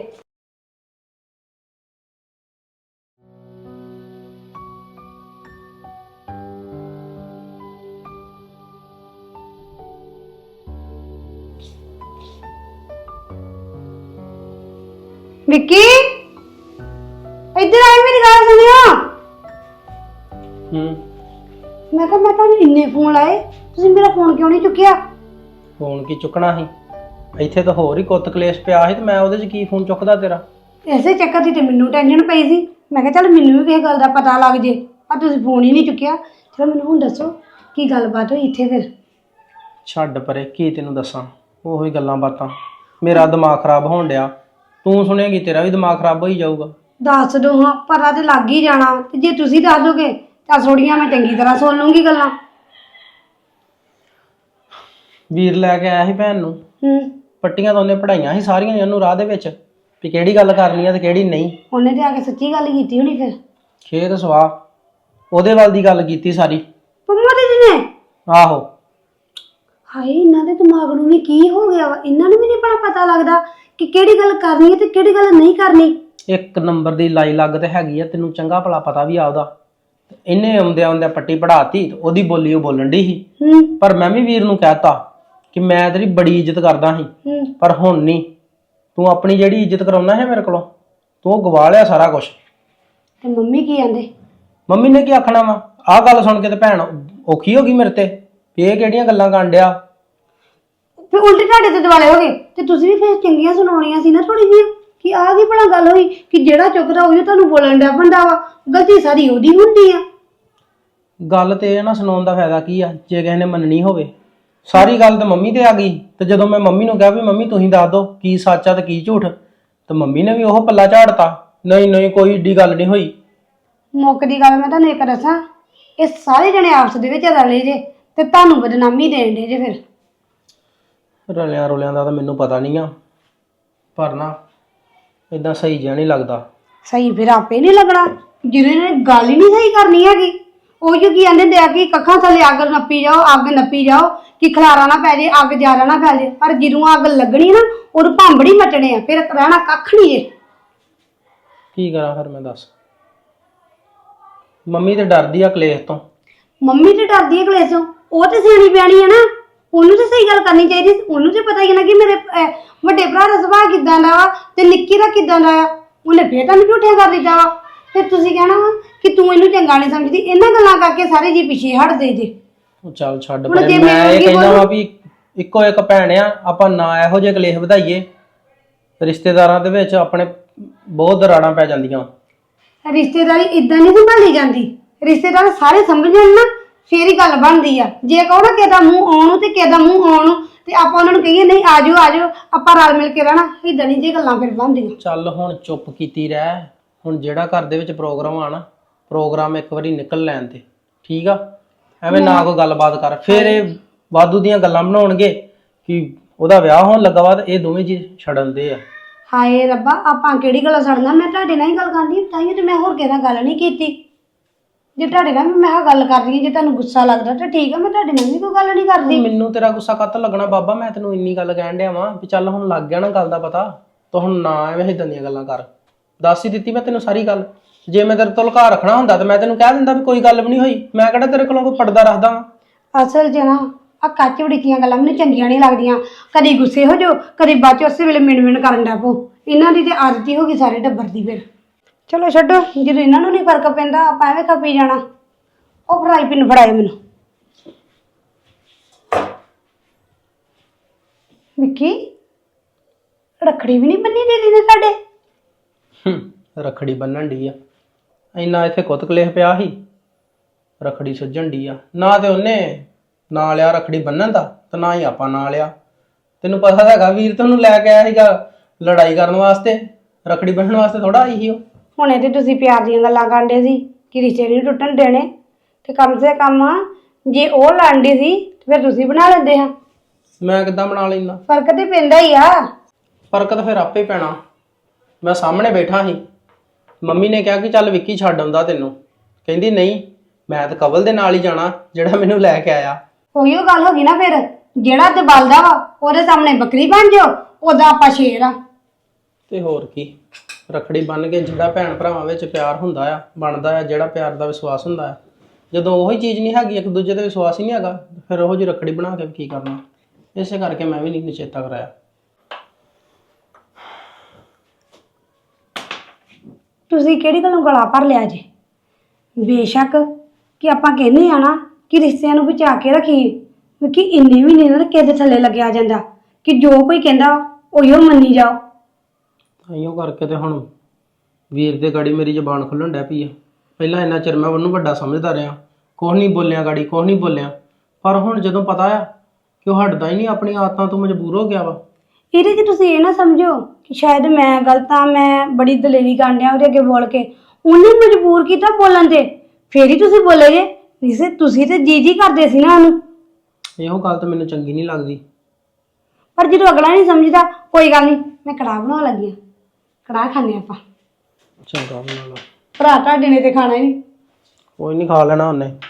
Speaker 2: ਵਿੱਕੀ ਇੱਧਰ ਆਏ, ਮੇਰੀ ਗੱਲ ਸੁਣਿਓ।
Speaker 3: ਹੂੰ
Speaker 2: ਮੈਂ ਕਿਹਾ ਮੈਂ ਤੁਹਾਨੂੰ ਇੰਨੇ ਫੋਨ ਲਾਏ, ਤੁਸੀਂ ਮੇਰਾ ਫੋਨ ਕਿਉਂ ਨਹੀਂ ਚੁੱਕਿਆ?
Speaker 3: ਫੋਨ ਕੀ ਚੁੱਕਣਾ ਸੀ? ਇੱਥੇ ਤਾਂ ਹੋਰ ਹੀ ਕੁੱਤ ਕਲੇਸ਼ ਪਿਆ ਸੀ ਤੇ ਮੈਂ ਉਹਦੇ 'ਚ ਕੀ ਫੋਨ ਚੁੱਕਦਾ ਤੇਰਾ?
Speaker 2: ਐਸੇ ਚੱਕਰ ਦੀ ਤੇ ਮੈਨੂੰ ਟੈਨਸ਼ਨ ਪਈ ਸੀ। ਮੈਂ ਕਿਹਾ ਚੱਲ ਮੈਨੂੰ ਵੀ ਕਿਸੇ ਗੱਲ ਦਾ ਪਤਾ ਲੱਗ ਜੇ, ਪਰ ਤੁਸੀਂ ਫੋਨ ਹੀ ਨਹੀਂ ਚੁੱਕਿਆ। ਚਲੋ ਮੈਨੂੰ ਹੁਣ ਦੱਸੋ ਕੀ ਗੱਲਬਾਤ ਹੋਈ ਇੱਥੇ ਫਿਰ?
Speaker 3: ਛੱਡ ਪਰੇ, ਕੀ ਤੈਨੂੰ ਦੱਸਾਂ, ਉਹੀ ਗੱਲਾਂ ਬਾਤਾਂ। ਮੇਰਾ ਦਿਮਾਗ ਖਰਾਬ ਹੋਣ ਡਿਆ, ਤੂੰ ਸੁਣੇਗੀ ਤੇਰਾ ਵੀ ਦਿਮਾਗ ਖਰਾਬ ਹੋਈ ਜਾਊਗਾ।
Speaker 2: ਦੱਸ ਦੋ ਹਾਂ, ਪਤਾ ਤੇ ਲੱਗ ਹੀ ਜਾਣਾ, ਤੇ ਜੇ ਤੁਸੀਂ ਦੱਸ ਦੋਗੇ ਤਾਂ ਥੋੜੀਆਂ ਮੈਂ ਚੰਗੀ ਤਰ੍ਹਾਂ ਸੁਣ ਲੂੰਗੀ ਗੱਲਾਂ।
Speaker 3: ਵੀਰ ਲੈ ਕੇ ਆਇਆ ਸੀ ਭੈਣ ਨੂੰ,
Speaker 2: ਹੂੰ
Speaker 3: ਪੱਟੀਆਂ ਤਾਂ ਉਹਨੇ ਪੜਾਈਆਂ ਸੀ ਸਾਰੀਆਂ ਹੀ ਉਹਨੂੰ ਰਾਹ ਦੇ ਵਿੱਚ, ਵੀ ਕਿਹੜੀ ਗੱਲ ਕਰਨੀ ਆ ਤੇ ਕਿਹੜੀ ਨਹੀਂ।
Speaker 2: ਉਹਨੇ ਤੇ ਆ ਕੇ ਸੱਚੀ ਗੱਲ ਕੀਤੀ ਹੋਣੀ ਫਿਰ।
Speaker 3: ਖੇਤ ਸਵਾਹ ਉਹਦੇ ਵੱਲ ਦੀ ਗੱਲ ਕੀਤੀ ਸਾਰੀ।
Speaker 2: ਪੰਮਾ ਦੇ ਨੇ?
Speaker 3: ਆਹੋ।
Speaker 2: ਹਾਏ, ਇਹਨਾਂ ਦੇ ਦਿਮਾਗ ਨੂੰ ਵੀ ਕੀ ਹੋ ਗਿਆ ਵਾ? ਇਹਨਾਂ ਨੂੰ ਵੀ ਨਹੀਂ ਬੜਾ ਪਤਾ ਲੱਗਦਾ ਕਿ ਕਿਹੜੀ ਗੱਲ ਕਰਨੀ ਹੈ ਤੇ ਕਿਹੜੀ ਗੱਲ ਨਹੀਂ ਕਰਨੀ।
Speaker 3: ਇੱਕ ਨੰਬਰ ਦੀ ਲਾਈ ਲੱਗ ਤੇ ਹੈਗੀ ਆ, ਤੈਨੂੰ ਚੰਗਾ ਭਲਾ ਪਤਾ ਵੀ ਆ ਉਹਦਾ। ਇਹਨੇ ਆਉਂਦਿਆਂ ਆਉਂਦਿਆਂ ਪੱਟੀ ਪੜਾਤੀ, ਉਹਦੀ ਬੋਲੀ ਉਹ ਬੋਲਣ ਡਈ ਸੀ।
Speaker 2: ਹੂੰ
Speaker 3: ਪਰ ਮੈਂ ਵੀ ਵੀਰ ਨੂੰ ਕਹਿਤਾ ਕਿ ਮੈਂ ਤੇਰੀ ਬੜੀ ਇੱਜ਼ਤ ਕਰਦਾ ਸੀ,
Speaker 2: ਹੂੰ
Speaker 3: ਪਰ ਹੁਣ ਨਹੀਂ। ਤੂੰ ਆਪਣੀ ਜਿਹੜੀ ਇੱਜ਼ਤ ਕਰਾਉਣਾ ਹੈ ਮੇਰੇ ਕੋਲੋਂ, ਤੂੰ ਉਹ ਗਵਾ ਲਿਆ ਸਾਰਾ ਕੁਝ।
Speaker 2: ਤੇ ਮੰਮੀ ਕੀ ਕਹਿੰਦੇ?
Speaker 3: ਮੰਮੀ ਨੇ ਕੀ ਆਖਣਾ ਵਾ? ਆਹ ਗੱਲ ਸੁਣ ਕੇ ਤੇ ਭੈਣ ਔਖੀ ਹੋ ਗਈ ਮੇਰੇ ਤੇ ਵੀ ਇਹ ਕਿਹੜੀਆਂ ਗੱਲਾਂ ਕਰਨ ਡਿਆ।
Speaker 2: ਫਿਰ ਉਲਟੇ ਤੁਹਾਡੇ ਤੇ ਦਿਵਾਲੇ ਹੋ ਗਏ, ਤੇ ਤੁਸੀਂ ਵੀ ਫਿਰ ਚੰਗੀਆਂ ਸੁਣਾਉਣੀਆਂ ਸੀ ਨਾ ਥੋੜੀ ਜਿਹੀ, ਕਿ ਆਹ ਕੀ ਭਲਾ ਗੱਲ ਹੋਈ ਕਿ ਜਿਹੜਾ ਚੁੱਕਦਾ ਉਹੀ ਤੁਹਾਨੂੰ ਬੋਲਣ ਡਿਆ ਬੰਦਾ ਵਾ। ਗਲਤੀ ਸਾਰੀ ਉਹਦੀ ਹੁੰਦੀ ਆ।
Speaker 3: ਗੱਲ ਤੇ ਇਹ ਨਾ ਸੁਣਾਉਣ ਦਾ ਫਾਇਦਾ ਕੀ ਆ ਜੇ ਕਿਸੇ ਨੇ ਮੰਨਣੀ ਹੋਵੇ। ਸਾਰੀ ਗੱਲ ਤਾਂ ਮੰਮੀ ਤੇ ਆ ਗਈ, ਤੇ ਜਦੋਂ ਮੈਂ ਮੰਮੀ ਨੂੰ ਕਿਹਾ ਵੀ ਮੰਮੀ ਤੁਸੀਂ ਦੱਸ ਦਿਓ ਕੀ ਸੱਚ ਆ ਤੇ ਕੀ ਝੂਠ, ਤੇ ਮੰਮੀ ਨੇ ਵੀ ਉਹ ਪੱਲਾ ਝਾੜਤਾ, ਨਹੀਂ ਨਹੀਂ ਕੋਈ ਏਡੀ ਗੱਲ ਨਹੀਂ ਹੋਈ।
Speaker 2: ਮੁੱਕ ਦੀ ਗੱਲ ਮੈਂ ਤੁਹਾਨੂੰ ਇੱਕ ਦੱਸਾਂ, ਇਹ ਸਾਰੇ ਜਣੇ ਆਪਸ ਦੇ ਵਿੱਚ ਰਲੇ ਜੇ ਤੇ ਤੁਹਾਨੂੰ ਬਦਨਾਮੀ ਦੇਣ ਦੇ ਜੇ। ਫਿਰ
Speaker 3: ਰਲਿਆਂ ਰੁਲਿਆਂ ਦਾ ਤਾਂ ਮੈਨੂੰ ਪਤਾ ਨਹੀਂ ਆ, ਪਰ ਨਾ ਇਦਾਂ ਸਹੀ ਜਿਹਾ ਨਹੀਂ ਲੱਗਦਾ।
Speaker 2: ਸਹੀ ਫਿਰ ਆਪੇ ਨਹੀਂ ਲੱਗਣਾ, ਜਿਹਨੇ ਨੇ ਗੱਲ ਹੀ ਨਹੀਂ ਸਹੀ ਕਰਨੀ ਹੈਗੀ। ਉਹ ਜੋ ਕੀ ਕਹਿੰਦੇ ਆ ਕਿ ਕੱਖਾਂ ਥੱਲੇ ਅੱਗ ਨੱਪੀ ਜਾਓ, ਅੱਗ ਨੱਪੀ ਜਾਓ ਕਿ ਖਲਾਰਾ ਨਾ ਪੈ ਜੇ, ਅੱਗ ਜ਼ਿਆਦਾ ਨਾ ਫੈਲ ਜੇ। ਪਰ ਜਦੋਂ ਅੱਗ ਲੱਗਣੀ ਨਾ ਉਦੋਂ ਭਾਂਬੜੀ ਮਚਣੇ ਆ, ਫਿਰ ਰਹਿਣਾ ਕੱਖ ਨਹੀਂ ਜੇ।
Speaker 3: ਕੀ ਕਰਾਂ ਫਿਰ ਮੈਂ ਦੱਸ? ਮੰਮੀ ਤੇ ਡਰਦੀ ਆ ਕਲੇਸ਼ ਤੋਂ।
Speaker 2: ਮੰਮੀ ਤੇ ਡਰਦੀ ਹੈ ਕਲੇਸ਼ ਤੋਂ, ਉਹ ਤੇ ਸਿਆਣੀ ਬਿਆਣੀ ਹੈ ਨਾ, ਉਹਨੂੰ ਤੇ ਸਹੀ ਗੱਲ ਕਰਨੀ ਚਾਹੀਦੀ। ਉਹਨੂੰ ਤੇ ਪਤਾ ਹੀ ਨਾ ਕਿ ਮੇਰੇ ਅਹ, ਵੱਡੇ ਭਰਾ ਦਾ ਸੁਭਾਅ ਕਿੱਦਾਂ ਦਾ ਵਾ ਤੇ ਨਿੱਕੀ ਦਾ ਕਿੱਦਾਂ ਦਾ ਆ। ਉਹਨੇ ਫੇਰ ਤੁਹਾਨੂੰ ਝੂਠਿਆ ਕਰ ਦਿੱਤਾ ਵਾ। ਫਿਰ ਤੁਸੀਂ ਕਹਿਣਾ ਵਾ ਕਿ ਤੂੰ ਇਹਨੂੰ ਚੰਗਾ ਨਹੀਂ ਸਮਝਦੀ। ਇਹਨਾਂ ਗੱਲਾਂ ਕਰਕੇ ਸਾਰੇ ਜੀ ਪਿੱਛੇ ਹਟਦੇ ਜੇ।
Speaker 3: ਉਹ ਚੱਲ ਛੱਡ
Speaker 2: ਹੁਣ
Speaker 3: ਪਰੇ,
Speaker 2: ਜੇ
Speaker 3: ਮੈਂ
Speaker 2: ਮੈਂ
Speaker 3: ਇਹ
Speaker 2: ਕੀ
Speaker 3: ਕਹਿੰਦਾ
Speaker 2: ਬੋਲੂੰ?
Speaker 3: ਵਾ ਵੀ ਇੱਕੋ ਇੱਕ ਭੈਣ ਆ, ਆਪਾਂ ਨਾ ਇਹੋ ਜਿਹੇ ਕਲੇਸ਼ ਵਧਾਈਏ। ਰਿਸ਼ਤੇਦਾਰਾਂ ਦੇ ਵਿੱਚ ਆਪਣੇ ਬਹੁਤ ਦਰਾੜਾਂ ਪੈ ਜਾਂਦੀਆਂ।
Speaker 2: ਰਿਸ਼ਤੇਦਾਰੀ ਇਦਾਂ ਨਹੀਂ ਸੰਭਾਲੀ ਜਾਂਦੀ। ਰਿਸ਼ਤੇਦਾਰ ਸਾਰੇ ਸਮਝਣ ਨਾ ਫੇਰ ਹੀ ਗੱਲ ਬਣਦੀ ਆ। ਜੇ ਕਹੋ ਨਾ ਕਿਹਦਾ ਮੂੰਹ ਆਉਣ ਨੂੰ ਤੇ ਕਿਹਦਾ ਮੂੰਹ ਆਉਣ ਨੂੰ, ਤੇ ਆਪਾਂ ਉਹਨਾਂ ਨੂੰ ਕਹੀਏ ਨਹੀਂ ਆਜੋ ਆਜੋ ਆਪਾਂ ਰਲ ਮਿਲ ਕੇ ਰਹਿਣਾ, ਇਦਾਂ ਨਹੀਂ ਜੇ ਗੱਲਾਂ ਫਿਰ ਬਣਦੀਆਂ।
Speaker 3: ਚੱਲ ਹੁਣ ਚੁੱਪ ਕੀਤੀ ਰਹਿ। ਹੁਣ ਜਿਹੜਾ ਘਰ ਦੇ ਵਿੱਚ ਪ੍ਰੋਗਰਾਮ ਆ ਨਾ, ਪ੍ਰੋਗਰਾਮ ਇੱਕ ਵਾਰੀ ਨਿਕਲ ਲੈਣ ਤੇ, ਠੀਕ ਆ? ਐਵੇਂ ਨਾ ਕੋਈ ਗੱਲਬਾਤ ਕਰ, ਫਿਰ ਇਹ ਵਾਧੂ ਦੀਆਂ ਗੱਲਾਂ ਬਣਾਉਣਗੇ ਕਿ ਉਹਦਾ ਵਿਆਹ ਹੋਣ ਲੱਗਾ ਵਾ ਤੇ ਇਹ ਦੋਵੇਂ ਜੀ ਛੜਨ ਦੇ ਆ।
Speaker 2: ਹਾਏ ਰੱਬਾ, ਆਪਾਂ ਕਿਹੜੀ ਗੱਲ ਸੜਨਾ? ਮੈਂ ਤੁਹਾਡੇ ਨਾਲ ਹੀ ਗੱਲ ਕਰਦੀ, ਤਾਂ ਹੀ ਤੇ ਮੈਂ ਹੋਰ ਕਿਸੇ ਨਾਲ ਗੱਲ ਨਹੀਂ ਕੀਤੀ। ਜੇ ਤੁਹਾਡੇ ਨਾਲ ਮੈਂ ਆਹ ਗੱਲ ਕਰ ਰਹੀ ਹਾਂ, ਜੇ ਤੁਹਾਨੂੰ ਗੁੱਸਾ ਲੱਗਦਾ ਤਾਂ ਠੀਕ ਆ, ਮੈਂ ਤੁਹਾਡੇ ਨਾਲ ਵੀ ਕੋਈ ਗੱਲ ਨਹੀਂ ਕਰਦੀ।
Speaker 3: ਮੈਨੂੰ ਤੇਰਾ ਗੁੱਸਾ ਕੱਤ ਲੱਗਣਾ ਬਾਬਾ? ਮੈਂ ਤੈਨੂੰ ਇੰਨੀ ਗੱਲ ਕਹਿਣ ਡਿਆ ਵਾਂ ਵੀ ਚੱਲ ਹੁਣ ਲੱਗ ਗਿਆ ਨਾ ਗੱਲ ਦਾ ਪਤਾ, ਤੂੰ ਹੁਣ ਨਾ ਐਵੇਂ ਇਦਾਂ ਦੀਆਂ ਗੱਲਾਂ ਕਰ। ਦੱਸ ਹੀ ਦਿੱਤੀ ਮੈਂ ਤੈਨੂੰ ਸਾਰੀ ਗੱਲ। ਜੇ ਮੈਂ ਤੇਰੇ ਤੋਂ ਲੁਕਾ ਰੱਖਣਾ ਹੁੰਦਾ ਤਾਂ ਮੈਂ ਤੈਨੂੰ ਕਹਿ ਦਿੰਦਾ ਵੀ ਕੋਈ ਗੱਲ ਵੀ ਨਹੀਂ ਹੋਈ। ਮੈਂ ਕਿਹੜਾ ਤੇਰੇ ਕੋਲੋਂ ਕੋਈ ਪਰਦਾ ਰੱਖਦਾ ਵਾਂ।
Speaker 2: ਅਸਲ 'ਚ ਨਾ ਆ ਕੱਚ ਵੜੀਆਂ ਗੱਲਾਂ ਮੈਨੂੰ ਚੰਗੀਆਂ ਨਹੀਂ ਲੱਗਦੀਆਂ। ਕਦੀ ਗੁੱਸੇ ਹੋ ਜਾਓ, ਕਦੀ ਬਾਅਦ 'ਚ ਉਸੇ ਵੇਲੇ ਮਿਣ ਮਿਣ ਕਰਨ ਲੱਗ ਪਓ। ਇਹਨਾਂ ਦੀ ਤੇ ਆਦਤ ਹੀ ਹੋ ਗਈ ਸਾਰੇ ਟੱਬਰ ਦੀ। ਫਿਰ ਚਲੋ ਛੱਡੋ, ਜਦੋਂ ਇਹਨਾਂ ਨੂੰ ਨਹੀਂ ਫਰਕ ਪੈਂਦਾ ਆਪਾਂ ਐਵੇਂ ਖਪੀ ਜਾਣਾ। ਉਹ ਫਰਾਈ ਪਿੰਨ ਫੜਾਏ ਮੈਨੂੰ। ਵਿੱਕੀ, ਰੱਖੜੀ ਵੀ ਨਹੀਂ ਬੰਨੀ ਦੀਦੀ ਨੇ ਸਾਡੇ।
Speaker 3: ਹੂੰ ਰੱਖੜੀ ਬੰਨਣ ਡੀ ਆ, ਇੰਨਾ ਇੱਥੇ ਕੁੱਤ ਕਲੇਸ਼ ਪਿਆ ਸੀ, ਰੱਖੜੀ ਸੁੱਜਣ ਡੀ ਆ। ਨਾ ਤੇ ਉਹਨੇ ਨਾ ਲਿਆ ਰੱਖੜੀ ਬੰਨਣ ਦਾ, ਤੇ ਨਾ ਹੀ ਆਪਾਂ ਨਾ ਲਿਆ। ਤੈਨੂੰ ਪਤਾ ਹੈਗਾ ਵੀਰ ਤੁਹਾਨੂੰ ਲੈ ਕੇ ਆਇਆ ਸੀਗਾ ਲੜਾਈ ਕਰਨ ਵਾਸਤੇ, ਰੱਖੜੀ ਬੰਨਣ ਵਾਸਤੇ ਥੋੜਾ ਆਈ ਸੀ ਉਹ।
Speaker 2: ਹੁਣੇ ਤੇ ਤੁਸੀਂ ਪਿਆਰ ਦੀਆਂ ਗੱਲਾਂ ਕਰਦੇ ਸੀ ਕਿ ਰਿਸ਼ਤੇ ਨਹੀਂ ਟੁੱਟਣ ਦੇਣੇ, ਤੇ ਕਮ ਸੇ ਕਮ ਜੇ ਉਹ ਲੜਦੀ ਸੀ ਤੇ ਫਿਰ ਤੁਸੀਂ ਬਣਾ ਲੈਂਦੇ ਹਾਂ।
Speaker 3: ਮੈਂ ਕਿੱਦਾਂ ਬਣਾ ਲੈਂਦਾ?
Speaker 2: ਫਰਕ ਤੇ ਪੈਂਦਾ ਹੀ ਆ।
Speaker 3: ਫਰਕ ਤਾਂ ਫਿਰ ਆਪੇ ਪੈਣਾ। ਮੈਂ ਸਾਹਮਣੇ ਬੈਠਾ ਸੀ, ਮੰਮੀ ਨੇ ਕਿਹਾ ਕਿ ਚੱਲ ਵਿੱਕੀ ਛੱਡ ਆਉਂਦਾ ਤੈਨੂੰ, ਕਹਿੰਦੀ ਨਹੀਂ ਮੈਂ ਤਾਂ ਕਵਲ ਦੇ ਨਾਲ ਹੀ ਜਾਣਾ ਜਿਹੜਾ ਮੈਨੂੰ ਲੈ ਕੇ ਆਇਆ।
Speaker 2: ਉਹੀ ਉਹ ਗੱਲ ਹੋ ਗਈ ਨਾ ਫਿਰ
Speaker 6: ਜਿਹੜਾ ਤੇ ਬਲਦਾ ਵਾ ਉਹਦੇ ਸਾਹਮਣੇ ਬੱਕਰੀ ਬਣ ਜਾਓ, ਉਹਦਾ ਆਪਾਂ ਸ਼ੇਰ ਆ।
Speaker 3: ਤੇ ਹੋਰ ਕੀ, ਰੱਖੜੀ ਬੰਨ ਕੇ ਜਿਹੜਾ ਭੈਣ ਭਰਾਵਾਂ ਵਿੱਚ ਪਿਆਰ ਹੁੰਦਾ ਆ, ਬਣਦਾ ਆ, ਜਿਹੜਾ ਪਿਆਰ ਦਾ ਵਿਸ਼ਵਾਸ ਹੁੰਦਾ ਆ, ਜਦੋਂ ਉਹੀ ਚੀਜ਼ ਨਹੀਂ ਹੈਗੀ, ਇੱਕ ਦੂਜੇ ਤੇ ਵਿਸ਼ਵਾਸ ਹੀ ਨਹੀਂ ਹੈਗਾ, ਫਿਰ ਉਹੋ ਜਿਹੀ ਰੱਖੜੀ ਬਣਾ ਕੇ ਕੀ ਕਰਨਾ। ਇਸੇ ਕਰਕੇ ਮੈਂ ਵੀ ਨਹੀਂ ਨਿਸ਼ਚੇਤਾ ਕਰਾਇਆ।
Speaker 6: ਤੁਸੀਂ ਕਿਹੜੀ ਗੱਲੋਂ ਗਲਾ ਭਰ ਲਿਆ ਜੇ? ਬੇਸ਼ੱਕ ਕਿ ਆਪਾਂ ਕਹਿੰਦੇ ਆ ਨਾ ਕਿ ਰਿਸ਼ਤਿਆਂ ਨੂੰ ਬਚਾ ਕੇ ਰੱਖੀਏ, ਕਿਉਂਕਿ ਇੰਨੇ ਵੀ ਨਹੀਂ ਨਾ ਕਿਸੇ ਦੇ ਥੱਲੇ ਲੱਗਿਆ ਜਾਂਦਾ ਕਿ ਜੋ ਕੋਈ ਕਹਿੰਦਾ ਉਹੀਓ ਮੰਨੀ ਜਾਓ।
Speaker 3: ਤਾਈਓ ਕਰਕੇ ਤੇ ਹੁਣ ਵੀਰ ਦੇ ਗਾੜੀ ਮੇਰੀ ਜ਼ਬਾਨ ਖੁੱਲਣ ਡੈ ਪਈ ਆ। ਪਹਿਲਾਂ ਇੰਨਾ ਚਿਰ ਮੈਂ ਉਹਨੂੰ ਵੱਡਾ ਸਮਝਦਾ ਰਿਹਾ, ਕੁਛ ਨਹੀਂ ਬੋਲਿਆ ਗਾੜੀ, ਕੁਛ ਨਹੀਂ ਬੋਲਿਆ, ਪਰ ਹੁਣ ਜਦੋਂ ਪਤਾ ਆ ਕਿ ਉਹ ਹਟਦਾ ਹੀ ਨਹੀਂ, ਆਪਣੀ ਆਦਤਾਂ ਤੋਂ ਮਜਬੂਰ ਹੋ ਗਿਆ ਵਾ।
Speaker 6: ਇਹਦੇ 'ਚ ਤੁਸੀਂ ਇਹ ਨਾ ਸਮਝੋ ਕਿ ਸ਼ਾਇਦ ਮੈਂ ਗਲਤ ਆ, ਮੈਂ ਬੜੀ ਦਲੇਰੀ ਕਰਨ ਡਿਆ ਉਹਦੇ ਅੱਗੇ ਬੋਲ ਕੇ, ਉਹਨੇ ਮਜਬੂਰ ਕੀਤਾ ਬੋਲਣ ਤੇ, ਫੇਰ ਹੀ ਤੁਸੀਂ ਬੋਲੇ ਜੇ। ਨਹੀਂ ਤੁਸੀਂ ਤੇ ਜੀ ਜੀ ਕਰਦੇ ਸੀ ਨਾ ਉਹਨੂੰ।
Speaker 3: ਇਹੋ ਗੱਲ ਤਾਂ ਮੈਨੂੰ ਚੰਗੀ ਨਹੀਂ ਲੱਗਦੀ।
Speaker 6: ਪਰ ਜਦੋਂ ਅਗਲਾ ਨਹੀਂ ਸਮਝਦਾ, ਕੋਈ ਗੱਲ ਨਹੀਂ, ਮੈਂ ਕੜਾਹ ਬਣਾਉਣ ਲੱਗੀ ਆ, ਕੜਾਹ ਖਾਣੇ ਆਪਾਂ।
Speaker 3: ਚੰਗਾ ਬਣਾ ਲਾ।
Speaker 6: ਭਰਾ ਤੁਹਾਡੇ ਨੇ ਤੇ ਖਾਣਾ ਹੀ ਨਹੀਂ।
Speaker 3: ਕੋਈ ਨਹੀਂ, ਖਾ ਲੈਣਾ ਉਹਨੇ।